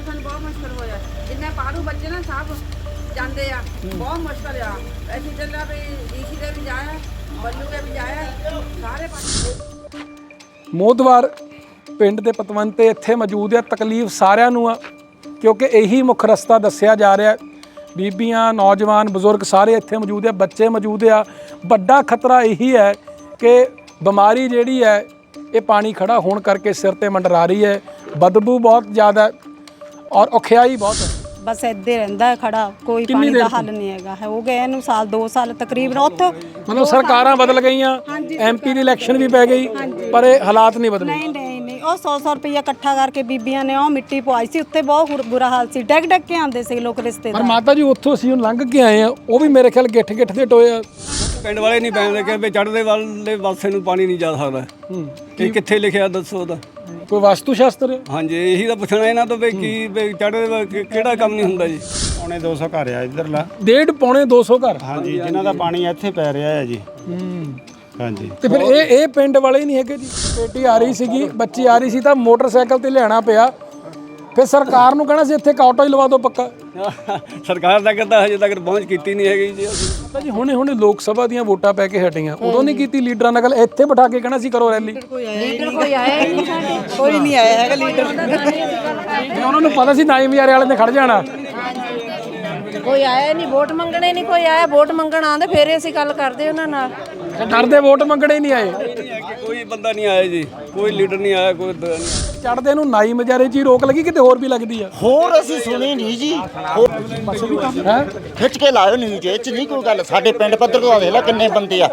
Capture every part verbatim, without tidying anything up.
ਨਾਲ ਸਾਨੂੰ ਬਹੁਤ ਮੁਸ਼ਕਲ ਹੋਇਆ। ਜਿੰਨੇ ਪਾੜੂ ਬੱਚੇ ਨਾ ਸਭ ਜਾਂਦੇ ਆ, ਬਹੁਤ ਮੁਸ਼ਕਲ ਆ। ਅਸੀਂ ਚੱਲਿਆ ਵੀ ਡੀਸੀ ਦੇ ਵੀ ਜਾਇਆ, ਬੱਲੂ ਦੇ ਵੀ ਜਾਇਆ, ਸਾਰੇ ਪਾਸੇ ਮੋਦਵਾਰ ਪਿੰਡ ਦੇ ਪਤਵੰਤੇ ਇੱਥੇ ਮੌਜੂਦ ਆ। ਤਕਲੀਫ ਸਾਰਿਆਂ ਨੂੰ ਆ ਕਿਉਂਕਿ ਇਹੀ ਮੁੱਖ ਰਸਤਾ ਦੱਸਿਆ ਜਾ ਰਿਹਾ। ਬੀਬੀਆਂ, ਨੌਜਵਾਨ, ਬਜ਼ੁਰਗ ਸਾਰੇ ਇੱਥੇ ਮੌਜੂਦ ਆ, ਬੱਚੇ ਮੌਜੂਦ ਆ। ਵੱਡਾ ਖਤਰਾ ਇਹੀ ਹੈ ਕਿ ਬਿਮਾਰੀ ਜਿਹੜੀ ਹੈ ਇਹ ਪਾਣੀ ਖੜਾ ਹੋਣ ਕਰਕੇ ਸਿਰ ਤੇ ਮੰਡਰਾ ਰਹੀ ਹੈ। ਬਦਬੂ ਬਹੁਤ ਜ਼ਿਆਦਾ ਔਰ ਔਖਿਆਈ ਬਹੁਤ ਹੈ। ਬਸ ਇੱਦੇ ਰਹਿੰਦਾ ਹੈ ਖੜਾ, ਕੋਈ ਪਾਣੀ ਦਾ ਹੱਲ ਨਹੀਂ ਹੈਗਾ। ਹੋ ਗਏ ਇਹਨੂੰ ਸਾਲ ਦੋ ਸਾਲ ਤਕਰੀਬਨ। ਉੱਥੋਂ ਮਤਲਬ ਸਰਕਾਰਾਂ ਬਦਲ ਗਈਆਂ, ਐਮਪੀ ਦੀ ਇਲੈਕਸ਼ਨ ਵੀ ਪੈ ਗਈ, ਪਰ ਇਹ ਹਾਲਾਤ ਨਹੀਂ ਬਦਲੇ। ਨਹੀਂ ਨਹੀਂ ਨਹੀਂ ਉਹ ਸੌ ਸੌ ਰੁਪਈਆ ਇਕੱਠਾ ਕਰਕੇ ਬੀਬੀਆਂ ਨੇ ਉਹ ਮਿੱਟੀ ਪਵਾਈ ਸੀ ਉੱਤੇ। ਬਹੁਤ ਬੁਰਾ ਹਾਲ ਸੀ, ਡੈਗ ਡੈਗ ਕੇ ਆਉਂਦੇ ਸੀ ਲੋਕ ਰਿਸ਼ਤੇਦਾਰ। ਪਰ ਮਾਤਾ ਜੀ ਉੱਥੋਂ ਅਸੀਂ ਲੰਘ ਕੇ ਆਏ ਆ, ਉਹ ਵੀ ਮੇਰੇ ਖਿਆਲ ਗਿੱਠ ਗਿੱਠ ਦੇ ਟੋਏ ਆ। ਪਿੰਡ ਵਾਲੇ ਨਹੀਂ ਪੈਂਦੇ ਕਿ ਵੀ ਚੜ੍ਹਦੇ ਵਾਲੇ ਪਾਸੇ ਨੂੰ ਪਾਣੀ ਨਹੀਂ ਜਾ ਸਕਦਾ। ਇਹ ਕਿੱਥੇ ਲਿਖਿਆ ਦੱਸੋ ਉਹਦਾ? ਕੋਈ ਵਾਸਤੂ ਸ਼ਾਸਤਰ? ਹਾਂਜੀ, ਇਹੀ ਤਾਂ ਪੁੱਛਣਾ ਇਹਨਾਂ ਤੋਂ ਵੀ ਕੀ ਵੀ ਚੜ੍ਹਦੇ ਕਿਹੜਾ ਕੰਮ ਨਹੀਂ ਹੁੰਦਾ ਜੀ। ਪੌਣੇ ਦੋ ਸੌ ਘਰ ਆ ਇੱਧਰਲਾ। ਡੇਢ ਪੌਣੇ ਦੋ ਸੌ ਘਰ? ਹਾਂਜੀ, ਜਿਨ੍ਹਾਂ ਦਾ ਪਾਣੀ ਇੱਥੇ ਪੈ ਰਿਹਾ ਹੈ ਜੀ। ਹਾਂਜੀ। ਤੇ ਫਿਰ ਇਹ ਇਹ ਪਿੰਡ ਵਾਲੇ ਹੀ ਨਹੀਂ ਹੈਗੇ ਜੀ। ਬੇਟੀ ਆ ਰਹੀ ਸੀਗੀ, ਬੱਚੀ ਆ ਰਹੀ ਸੀ ਤਾਂ ਮੋਟਰਸਾਈਕਲ ਤੇ ਲਿਆਣਾ ਪਿਆ। ਫਿਰ ਸਰਕਾਰ ਨੂੰ ਕਹਿਣਾ ਸੀ ਇੱਥੇ ਇੱਕ ਆਟੋ ਹੀ ਲਵਾ ਦਿਓ ਪੱਕਾ। ਸਰਕਾਰ ਤੱਕ ਤਾਂ ਹਜੇ ਤੱਕ ਪਹੁੰਚ ਕੀਤੀ ਨਹੀਂ ਹੈਗੀ ਜੀ। ਤਾਂ ਜੀ ਹੁਣੇ ਹੁਣੇ ਲੋਕ ਸਭਾ ਦੀਆਂ ਵੋਟਾਂ ਪੈ ਕੇ ਹਟੀਆਂ, ਉਦੋਂ ਨਹੀਂ ਕੀਤੀ ਲੀਡਰਾਂ ਨਾਲ ਗੱਲ? ਇੱਥੇ ਬਿਠਾ ਕੇ ਕਹਿਣਾ ਸੀ ਕਰੋ ਰੈਲੀ। ਲੀਡਰ ਕੋਈ ਆਇਆ ਹੀ ਨਹੀਂ ਸਾਡੇ, ਕੋਈ ਨਹੀਂ ਆਇਆ ਹੈਗਾ ਲੀਡਰ। ਤੇ ਉਹਨਾਂ ਨੂੰ ਪਤਾ ਸੀ ਨਾਈ ਮਜਾਰੇ ਵਾਲੇ ਨੇ ਖੜ ਜਾਣਾ। ਕੋਈ ਆਇਆ ਨਹੀਂ, ਵੋਟ ਮੰਗਣੇ ਨਹੀਂ ਕੋਈ ਆਇਆ। ਵੋਟ ਮੰਗਣ ਆਉਂਦੇ ਫੇਰ ਅਸੀਂ ਗੱਲ ਕਰਦੇ ਉਹਨਾਂ ਨਾਲ। ਡਰਦੇ ਵੋਟ ਮੰਗਣੇ ਹੀ ਨਹੀਂ ਆਏ। ਕੋਈ ਬੰਦਾ ਨਹੀਂ ਆਇਆ ਜੀ, ਕੋਈ ਲੀਡਰ ਨਹੀਂ ਆਇਆ, ਕੋਈ ਚੜਦੇ ਨੂੰ ਨਾਈ ਮਜਾਰੇ 'ਚ ਹੀ ਰੋਕ ਲੱਗੀ, ਕਿਤੇ ਹੋਰ ਵੀ ਲੱਗਦੀ ਆ? ਹੋਰ ਅਸੀਂ ਸੁਣੀ ਨਹੀਂ ਜੀ। ਹੈ ਖਿੱਚ ਕੇ ਲਾਇਓ ਨਿਊਜ਼ ਇਹ ਚ ਨਹੀਂ ਕੋਈ ਗੱਲ। ਸਾਡੇ ਪਿੰਡ ਪੱਧਰ ਤੋਂ ਦੇਖ ਲੈ ਕਿੰਨੇ ਬੰਦੇ ਆ।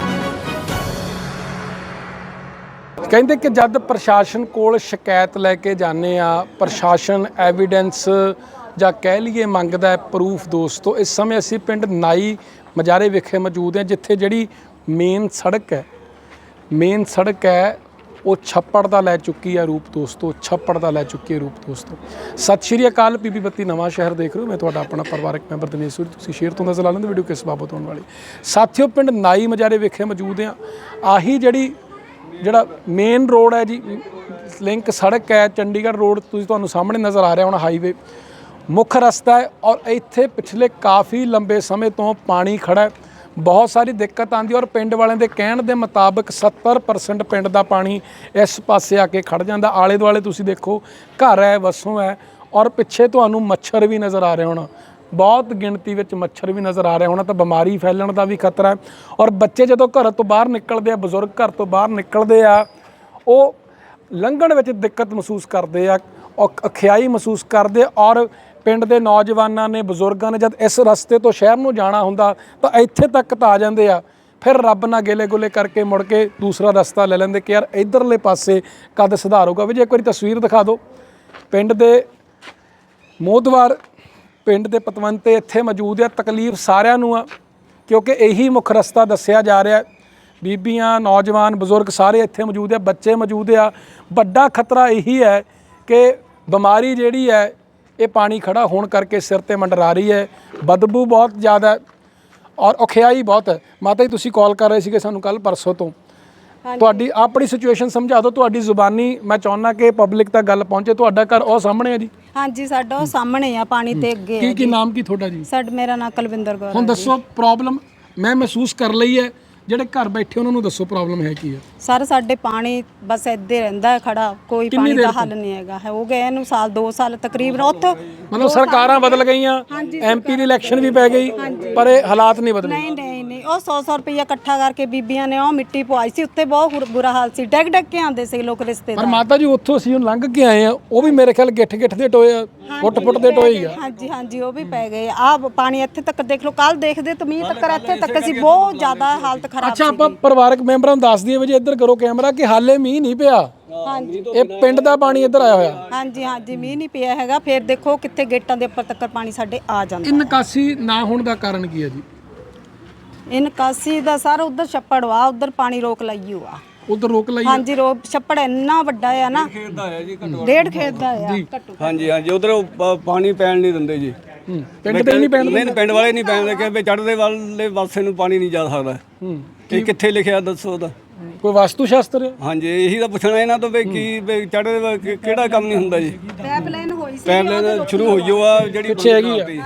ਕਹਿੰਦੇ ਕਿ ਜਦ ਪ੍ਰਸ਼ਾਸਨ ਕੋਲ ਸ਼ਿਕਾਇਤ ਲੈ ਕੇ ਜਾਂਦੇ ਆ, ਪ੍ਰਸ਼ਾਸਨ ਐਵੀਡੈਂਸ ਜਾਂ ਕਹਿ ਲਈਏ ਮੰਗਦਾ ਹੈ ਪ੍ਰੂਫ। ਦੋਸਤੋ, ਇਸ ਸਮੇਂ ਅਸੀਂ ਪਿੰਡ ਨਾਈ ਮਜਾਰੇ ਵਿਖੇ ਮੌਜੂਦ ਹਾਂ, ਜਿੱਥੇ ਜਿਹੜੀ ਮੇਨ ਸੜਕ ਹੈ ਮੇਨ ਸੜਕ ਹੈ ਉਹ ਛੱਪੜ ਦਾ ਲੈ ਚੁੱਕੀ ਹੈ ਰੂਪ। ਦੋਸਤੋ, ਛੱਪੜ ਦਾ ਲੈ ਚੁੱਕੀ ਹੈ ਰੂਪ। ਦੋਸਤੋ, ਸਤਿ ਸ਼੍ਰੀ ਅਕਾਲ। ਪੀਪੀ ਬੱਤੀ ਨਵਾਂ ਸ਼ਹਿਰ ਦੇਖ ਰਹੇ ਹੋ। ਮੈਂ ਤੁਹਾਡਾ ਆਪਣਾ ਪਰਿਵਾਰਕ ਮੈਂਬਰ ਦਿਨੇਸ਼ ਸੂਰੀ। ਤੁਸੀਂ ਸ਼ੇਅਰ ਤੋਂ ਨਜ਼ਰ ਲਾ ਲੈਂਦੇ ਵੀਡੀਓ ਕਿਸ ਬਾਬਤ ਹੋਣ ਵਾਲੀ। ਸਾਥੀਓ, ਪਿੰਡ ਨਾਈ ਮਜਾਰੇ ਵਿਖੇ ਮੌਜੂਦ ਹਾਂ। ਆਹੀ ਜਿਹੜੀ ਜਿਹੜਾ ਮੇਨ ਰੋਡ ਹੈ ਜੀ, ਲਿੰਕ ਸੜਕ ਹੈ, ਚੰਡੀਗੜ੍ਹ ਰੋਡ ਤੁਸੀਂ ਤੁਹਾਨੂੰ ਸਾਹਮਣੇ ਨਜ਼ਰ ਆ ਰਿਹਾ ਹੁਣ, ਹਾਈਵੇ ਮੁੱਖ ਰਸਤਾ ਹੈ। ਔਰ ਇੱਥੇ ਪਿਛਲੇ ਕਾਫੀ ਲੰਬੇ ਸਮੇਂ ਤੋਂ ਪਾਣੀ ਖੜਾ ਹੈ, ਬਹੁਤ ਸਾਰੀ ਦਿੱਕਤ ਆਉਂਦੀ। ਔਰ ਪਿੰਡ ਵਾਲਿਆਂ ਦੇ ਕਹਿਣ ਦੇ ਮੁਤਾਬਕ ਸੱਤਰ ਪਰਸੈਂਟ ਪਿੰਡ ਦਾ ਪਾਣੀ ਇਸ ਪਾਸੇ ਆ ਕੇ ਖੜ ਜਾਂਦਾ। ਆਲੇ ਦੁਆਲੇ ਤੁਸੀਂ ਦੇਖੋ ਘਰ ਹੈ, ਵਸੋਂ ਹੈ, ਔਰ ਪਿੱਛੇ ਤੁਹਾਨੂੰ ਮੱਛਰ ਵੀ ਨਜ਼ਰ ਆ ਰਿਹਾ ਹੋਣਾ, ਬਹੁਤ ਗਿਣਤੀ ਵਿੱਚ ਮੱਛਰ ਵੀ ਨਜ਼ਰ ਆ ਰਿਹਾ ਹੋਣਾ। ਤਾਂ ਬਿਮਾਰੀ ਫੈਲਣ ਦਾ ਵੀ ਖਤਰਾ ਹੈ। ਔਰ ਬੱਚੇ ਜਦੋਂ ਘਰ ਤੋਂ ਬਾਹਰ ਨਿਕਲਦੇ ਆ, ਬਜ਼ੁਰਗ ਘਰ ਤੋਂ ਬਾਹਰ ਨਿਕਲਦੇ ਆ, ਉਹ ਲੰਘਣ ਵਿੱਚ ਦਿੱਕਤ ਮਹਿਸੂਸ ਕਰਦੇ ਆ, ਔਖਿਆਈ ਮਹਿਸੂਸ ਕਰਦੇ। ਔਰ ਪਿੰਡ ਦੇ ਨੌਜਵਾਨਾਂ ਨੇ, ਬਜ਼ੁਰਗਾਂ ਨੇ ਜਦ ਇਸ ਰਸਤੇ ਤੋਂ ਸ਼ਹਿਰ ਨੂੰ ਜਾਣਾ ਹੁੰਦਾ ਤਾਂ ਇੱਥੇ ਤੱਕ ਤਾਂ ਆ ਜਾਂਦੇ ਆ, ਫਿਰ ਰੱਬ ਨਾਲ ਗੇਲੇ ਗੁਲੇ ਕਰਕੇ ਮੁੜ ਕੇ ਦੂਸਰਾ ਰਸਤਾ ਲੈ ਲੈਂਦੇ ਕਿ ਯਾਰ ਇੱਧਰਲੇ ਪਾਸੇ ਕਦ ਸੁਧਾਰ ਹੋਊਗਾ। ਵੀ ਜੇ ਇੱਕ ਵਾਰੀ ਤਸਵੀਰ ਦਿਖਾ ਦਿਓ ਪਿੰਡ ਦੇ ਮੋਦਵਾਰ ਪਿੰਡ ਦੇ ਪਤਵੰਤੇ ਇੱਥੇ ਮੌਜੂਦ ਆ। ਤਕਲੀਫ ਸਾਰਿਆਂ ਨੂੰ ਆ ਕਿਉਂਕਿ ਇਹੀ ਮੁੱਖ ਰਸਤਾ ਦੱਸਿਆ ਜਾ ਰਿਹਾ। ਬੀਬੀਆਂ, ਨੌਜਵਾਨ, ਬਜ਼ੁਰਗ ਸਾਰੇ ਇੱਥੇ ਮੌਜੂਦ ਆ, ਬੱਚੇ ਮੌਜੂਦ ਆ। ਵੱਡਾ ਖਤਰਾ ਇਹੀ ਹੈ ਕਿ ਬਿਮਾਰੀ ਜਿਹੜੀ ਹੈ ਇਹ ਪਾਣੀ ਖੜਾ ਹੋਣ ਕਰਕੇ ਸਿਰ ਤੇ ਮੰਡਰਾ ਰਹੀ ਹੈ। ਬਦਬੂ ਬਹੁਤ ਜ਼ਿਆਦਾ ਔਰ ਔਖਿਆਈ ਬਹੁਤ ਹੈ। ਮਾਤਾ ਜੀ, ਤੁਸੀਂ ਕਾਲ ਕਰ ਰਹੇ ਸੀਗੇ ਸਾਨੂੰ ਕੱਲ ਪਰਸੋਂ ਤੋਂ। ਤੁਹਾਡੀ ਆਪਣੀ ਸਿਚੁਏਸ਼ਨ ਸਮਝਾ ਦਿਓ। ਤੁਹਾਡੀ ਜ਼ੁਬਾਨੀ ਮੈਂ ਚਾਹੁੰਦਾ ਕਿ ਪਬਲਿਕ ਤੱਕ ਗੱਲ ਪਹੁੰਚੇ। ਤੁਹਾਡਾ ਘਰ ਉਹ ਸਾਹਮਣੇ ਹੈ ਜੀ? ਹਾਂਜੀ, ਸਾਡਾ ਉਹ ਸਾਹਮਣੇ ਆ, ਪਾਣੀ ਤੇ ਅੱਗੇ। ਕੀ ਕੀ ਨਾਮ ਕੀ ਤੁਹਾਡਾ ਜੀ? ਸਾਡਾ ਮੇਰਾ ਨਾਮ ਕੁਲਵਿੰਦਰ ਕੌਰ। ਹੁਣ ਦੱਸੋ ਪ੍ਰੋਬਲਮ ਮੈਂ ਮਹਿਸੂਸ ਕਰ ਲਈ ਹੈ, ਜਿਹੜੇ ਘਰ ਬੈਠੇ ਉਹਨਾਂ ਨੂੰ ਦੱਸੋ ਪ੍ਰੋਬਲਮ ਹੈ ਕੀ ਹੈ? ਸਰ ਸਾਡੇ ਪਾਣੀ ਬਸ ਇੱਦੇ ਰਹਿੰਦਾ ਹੈ ਖੜਾ, ਕੋਈ ਪਾਣੀ ਦਾ ਹੱਲ ਨਹੀਂ ਹੈਗਾ। ਹੋ ਗਏ ਇਹਨੂੰ ਸਾਲ ਦੋ ਸਾਲ ਤਕਰੀਬਨ। ਉੱਥੋਂ ਮਤਲਬ ਸਰਕਾਰਾਂ ਬਦਲ ਗਈਆਂ, ਐਮਪੀ ਦੀ ਇਲੈਕਸ਼ਨ ਵੀ ਪੈ ਗਈ, ਪਰ ਇਹ ਹਾਲਾਤ ਨਹੀਂ ਬਦਲੇ। ਨਹੀਂ ਨਹੀਂ ਨਹੀਂ ਉਹ ਸੌ ਸੌ ਰੁਪਈਆ ਇਕੱਠਾ ਕਰਕੇ ਬੀਬੀਆਂ ਨੇ ਉਹ ਮਿੱਟੀ ਪਵਾਈ ਸੀ ਉੱਤੇ। ਬਹੁਤ ਬੁਰਾ ਹਾਲ ਸੀ, ਡੈਗ ਡੈਗ ਕੇ ਆਉਂਦੇ ਸੀ ਲੋਕ ਰਿਸ਼ਤੇਦਾਰ। ਪਰ ਮਾਤਾ ਜੀ ਉੱਥੋਂ ਅਸੀਂ ਲੰਘ ਕੇ ਆਏ ਆ, ਉਹ ਵੀ ਮੇਰੇ ਖਿਆਲ ਗਿੱਠ ਗਿੱਠ ਦੇ ਟੋਏ ਆ, ਫੁੱਟ ਫੁੱਟ ਦੇ ਟੋਏ ਆ। ਹਾਂਜੀ ਹਾਂਜੀ, ਉਹ ਵੀ ਪੈ ਗਏ ਆ। ਪਾਣੀ ਇੱਥੇ ਤੱਕ ਦੇਖ ਲਓ, ਕੱਲ ਦੇਖਦੇ ਤਾਂ ਮੀਂਹ ਤੱਕ ਇੱਥੇ ਤੱਕ ਸੀ। ਬਹੁਤ ਜ਼ਿਆਦਾ ਹਾਲਤ ਖਰਾਬ ਸੀ। ਅੱਛਾ, ਆਪਾਂ ਪਰਿਵਾਰਕ ਮੈਂਬਰਾਂ ਨੂੰ ਦੱਸ ਦਈਏ ਵੀ ਇੱਧਰ ਕਰੋ ਕੈਮਰਾ ਕਿ ਹਾਲੇ ਮੀਂਹ ਨਹੀਂ ਪਿਆ। ਹਾਂਜੀ, ਇਹ ਪਿੰਡ ਦਾ ਪਾਣੀ ਇੱਧਰ ਆਇਆ ਹੋਇਆ। ਹਾਂਜੀ ਹਾਂਜੀ, ਮੀਂਹ ਨਹੀਂ ਪਿਆ ਹੈਗਾ। ਫਿਰ ਦੇਖੋ ਕਿੱਥੇ ਗੇਟਾਂ ਦੇ ਉੱਪਰ ਤੱਕ ਪਾਣੀ ਸਾਡੇ ਆ ਜਾਂਦਾ। ਇਹ ਨਿਕਾਸੀ ਨਾ ਹੋਣ ਦਾ ਕਾਰਨ ਕੀ ਹੈ ਜੀ? ਇਹ ਨਿਕਾਸੀ ਦਾ ਸਰ ਉਧਰ ਛੱਪੜ ਵਾ, ਉਧਰ ਪਾਣੀ ਰੋਕ ਲਈ ਆ। ਉਧਰ ਰੋਕ ਲਈ? ਹਾਂਜੀ, ਰੋਕ ਛੱਪੜ ਇੰਨਾ ਵੱਡਾ ਆ ਨਾ, ਡੇਢ ਖੇਤ ਦਾ ਆ। ਹਾਂਜੀ ਹਾਂਜੀ, ਉਧਰ ਪਾਣੀ ਪੈਣ ਨਹੀਂ ਦਿੰਦੇ ਜੀ। ਪਿੰਡ ਤੇ ਨਹੀਂ ਪੈਣ? ਨਹੀਂ, ਪਿੰਡ ਵਾਲੇ ਨਹੀਂ ਪੈਂਦੇ ਕਿ ਵੀ ਚੜ੍ਹਦੇ ਵਾਲੇ ਪਾਸੇ ਨੂੰ ਪਾਣੀ ਨਹੀਂ ਜਾ ਸਕਦਾ। ਇਹ ਕਿੱਥੇ ਲਿਖਿਆ ਦੱਸੋ ਉਹਦਾ? ਕੋਈ ਵਾਸਤੂ ਸ਼ਾਸਤਰ? ਹਾਂਜੀ, ਇਹੀ ਤਾਂ ਪੁੱਛਣਾ ਇਹਨਾਂ ਤੋਂ ਵੀ ਕੀ ਵੀ ਚੜ੍ਹਦੇ ਕਿਹੜਾ ਕੰਮ ਨਹੀਂ ਹੁੰਦਾ ਜੀ। ਪਾਈਪਲਾਈਨ ਪਾਈਪਲਾਈਨ ਸ਼ੁਰੂ ਹੋਈ ਓ ਆ ਜਿਹੜੀ ਪਿੱਛੇ ਹੈਗੀ ਆ।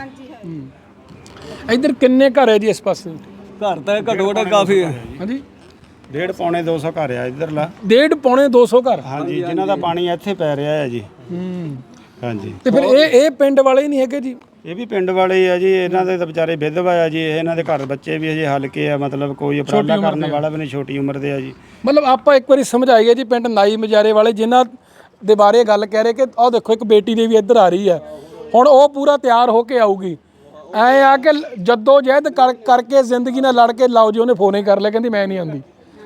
ਇੱਧਰ ਕਿੰਨੇ ਘਰ ਹੈ ਜੀ ਇਸ ਪਾਸੇ? ਘਰ ਤਾਂ ਘੱਟੋ ਘੱਟ ਕਾਫੀ ਹੈ। ਹਾਂਜੀ, ਡੇਢ ਪੌਣੇ ਦੋ ਸੌ ਘਰ ਆ ਇੱਧਰਲਾ। ਡੇਢ ਪੌਣੇ ਦੋ ਸੌ ਘਰ। ਹਾਂਜੀ, ਜਿਨ੍ਹਾਂ ਦਾ ਪਾਣੀ ਇੱਥੇ ਪੈ ਰਿਹਾ ਹੈ ਜੀ। ਹੂੰ, ਹਾਂਜੀ, ਤੇ ਫਿਰ ਇਹ ਇਹ ਪਿੰਡ ਵਾਲੇ ਹੀ ਨਹੀਂ ਹੈਗੇ ਜੀ? ਇਹ ਵੀ ਪਿੰਡ ਵਾਲੇ ਹੀ ਆ ਜੀ। ਇਹਨਾਂ ਦੇ ਤਾਂ ਵਿਚਾਰੇ ਵਿਧਵਾ ਆ ਜੀ। ਇਹਨਾਂ ਦੇ ਘਰ ਬੱਚੇ ਵੀ ਅਜੇ ਹਲਕੇ ਆ, ਮਤਲਬ ਕੋਈ ਉਪਰਾਲਾ ਕਰਨ ਵਾਲਾ ਵੀ ਨਹੀਂ, ਛੋਟੀ ਉਮਰ ਦੇ ਆ ਜੀ। ਮਤਲਬ ਆਪਾਂ ਇੱਕ ਵਾਰੀ ਸਮਝਾਈਏ ਜੀ, ਪਿੰਡ ਨਾਈ ਮਜਾਰੇ ਵਾਲੇ ਜਿਨ੍ਹਾਂ ਦੇ ਬਾਰੇ ਗੱਲ ਕਹਿ ਰਹੇ ਕਿ ਆਹ ਦੇਖੋ ਇੱਕ ਬੇਟੀ ਦੇ ਵੀ ਇੱਧਰ ਆ ਰਹੀ ਹੈ, ਹੁਣ ਉਹ ਪੂਰਾ ਤਿਆਰ ਹੋ ਕੇ ਆਊਗੀ। ਐ ਆ ਕਿ ਜੱਦੋ ਜਹਿਦ ਕਰ ਕਰਕੇ ਜ਼ਿੰਦਗੀ ਨਾਲ ਲੜ ਕੇ ਲਾਓ ਜੀ, ਉਹਨੇ ਫੋਨ ਹੀ ਕਰ ਲਿਆ, ਕਹਿੰਦੀ ਮੈਂ ਨਹੀਂ ਆਉਂਦੀ।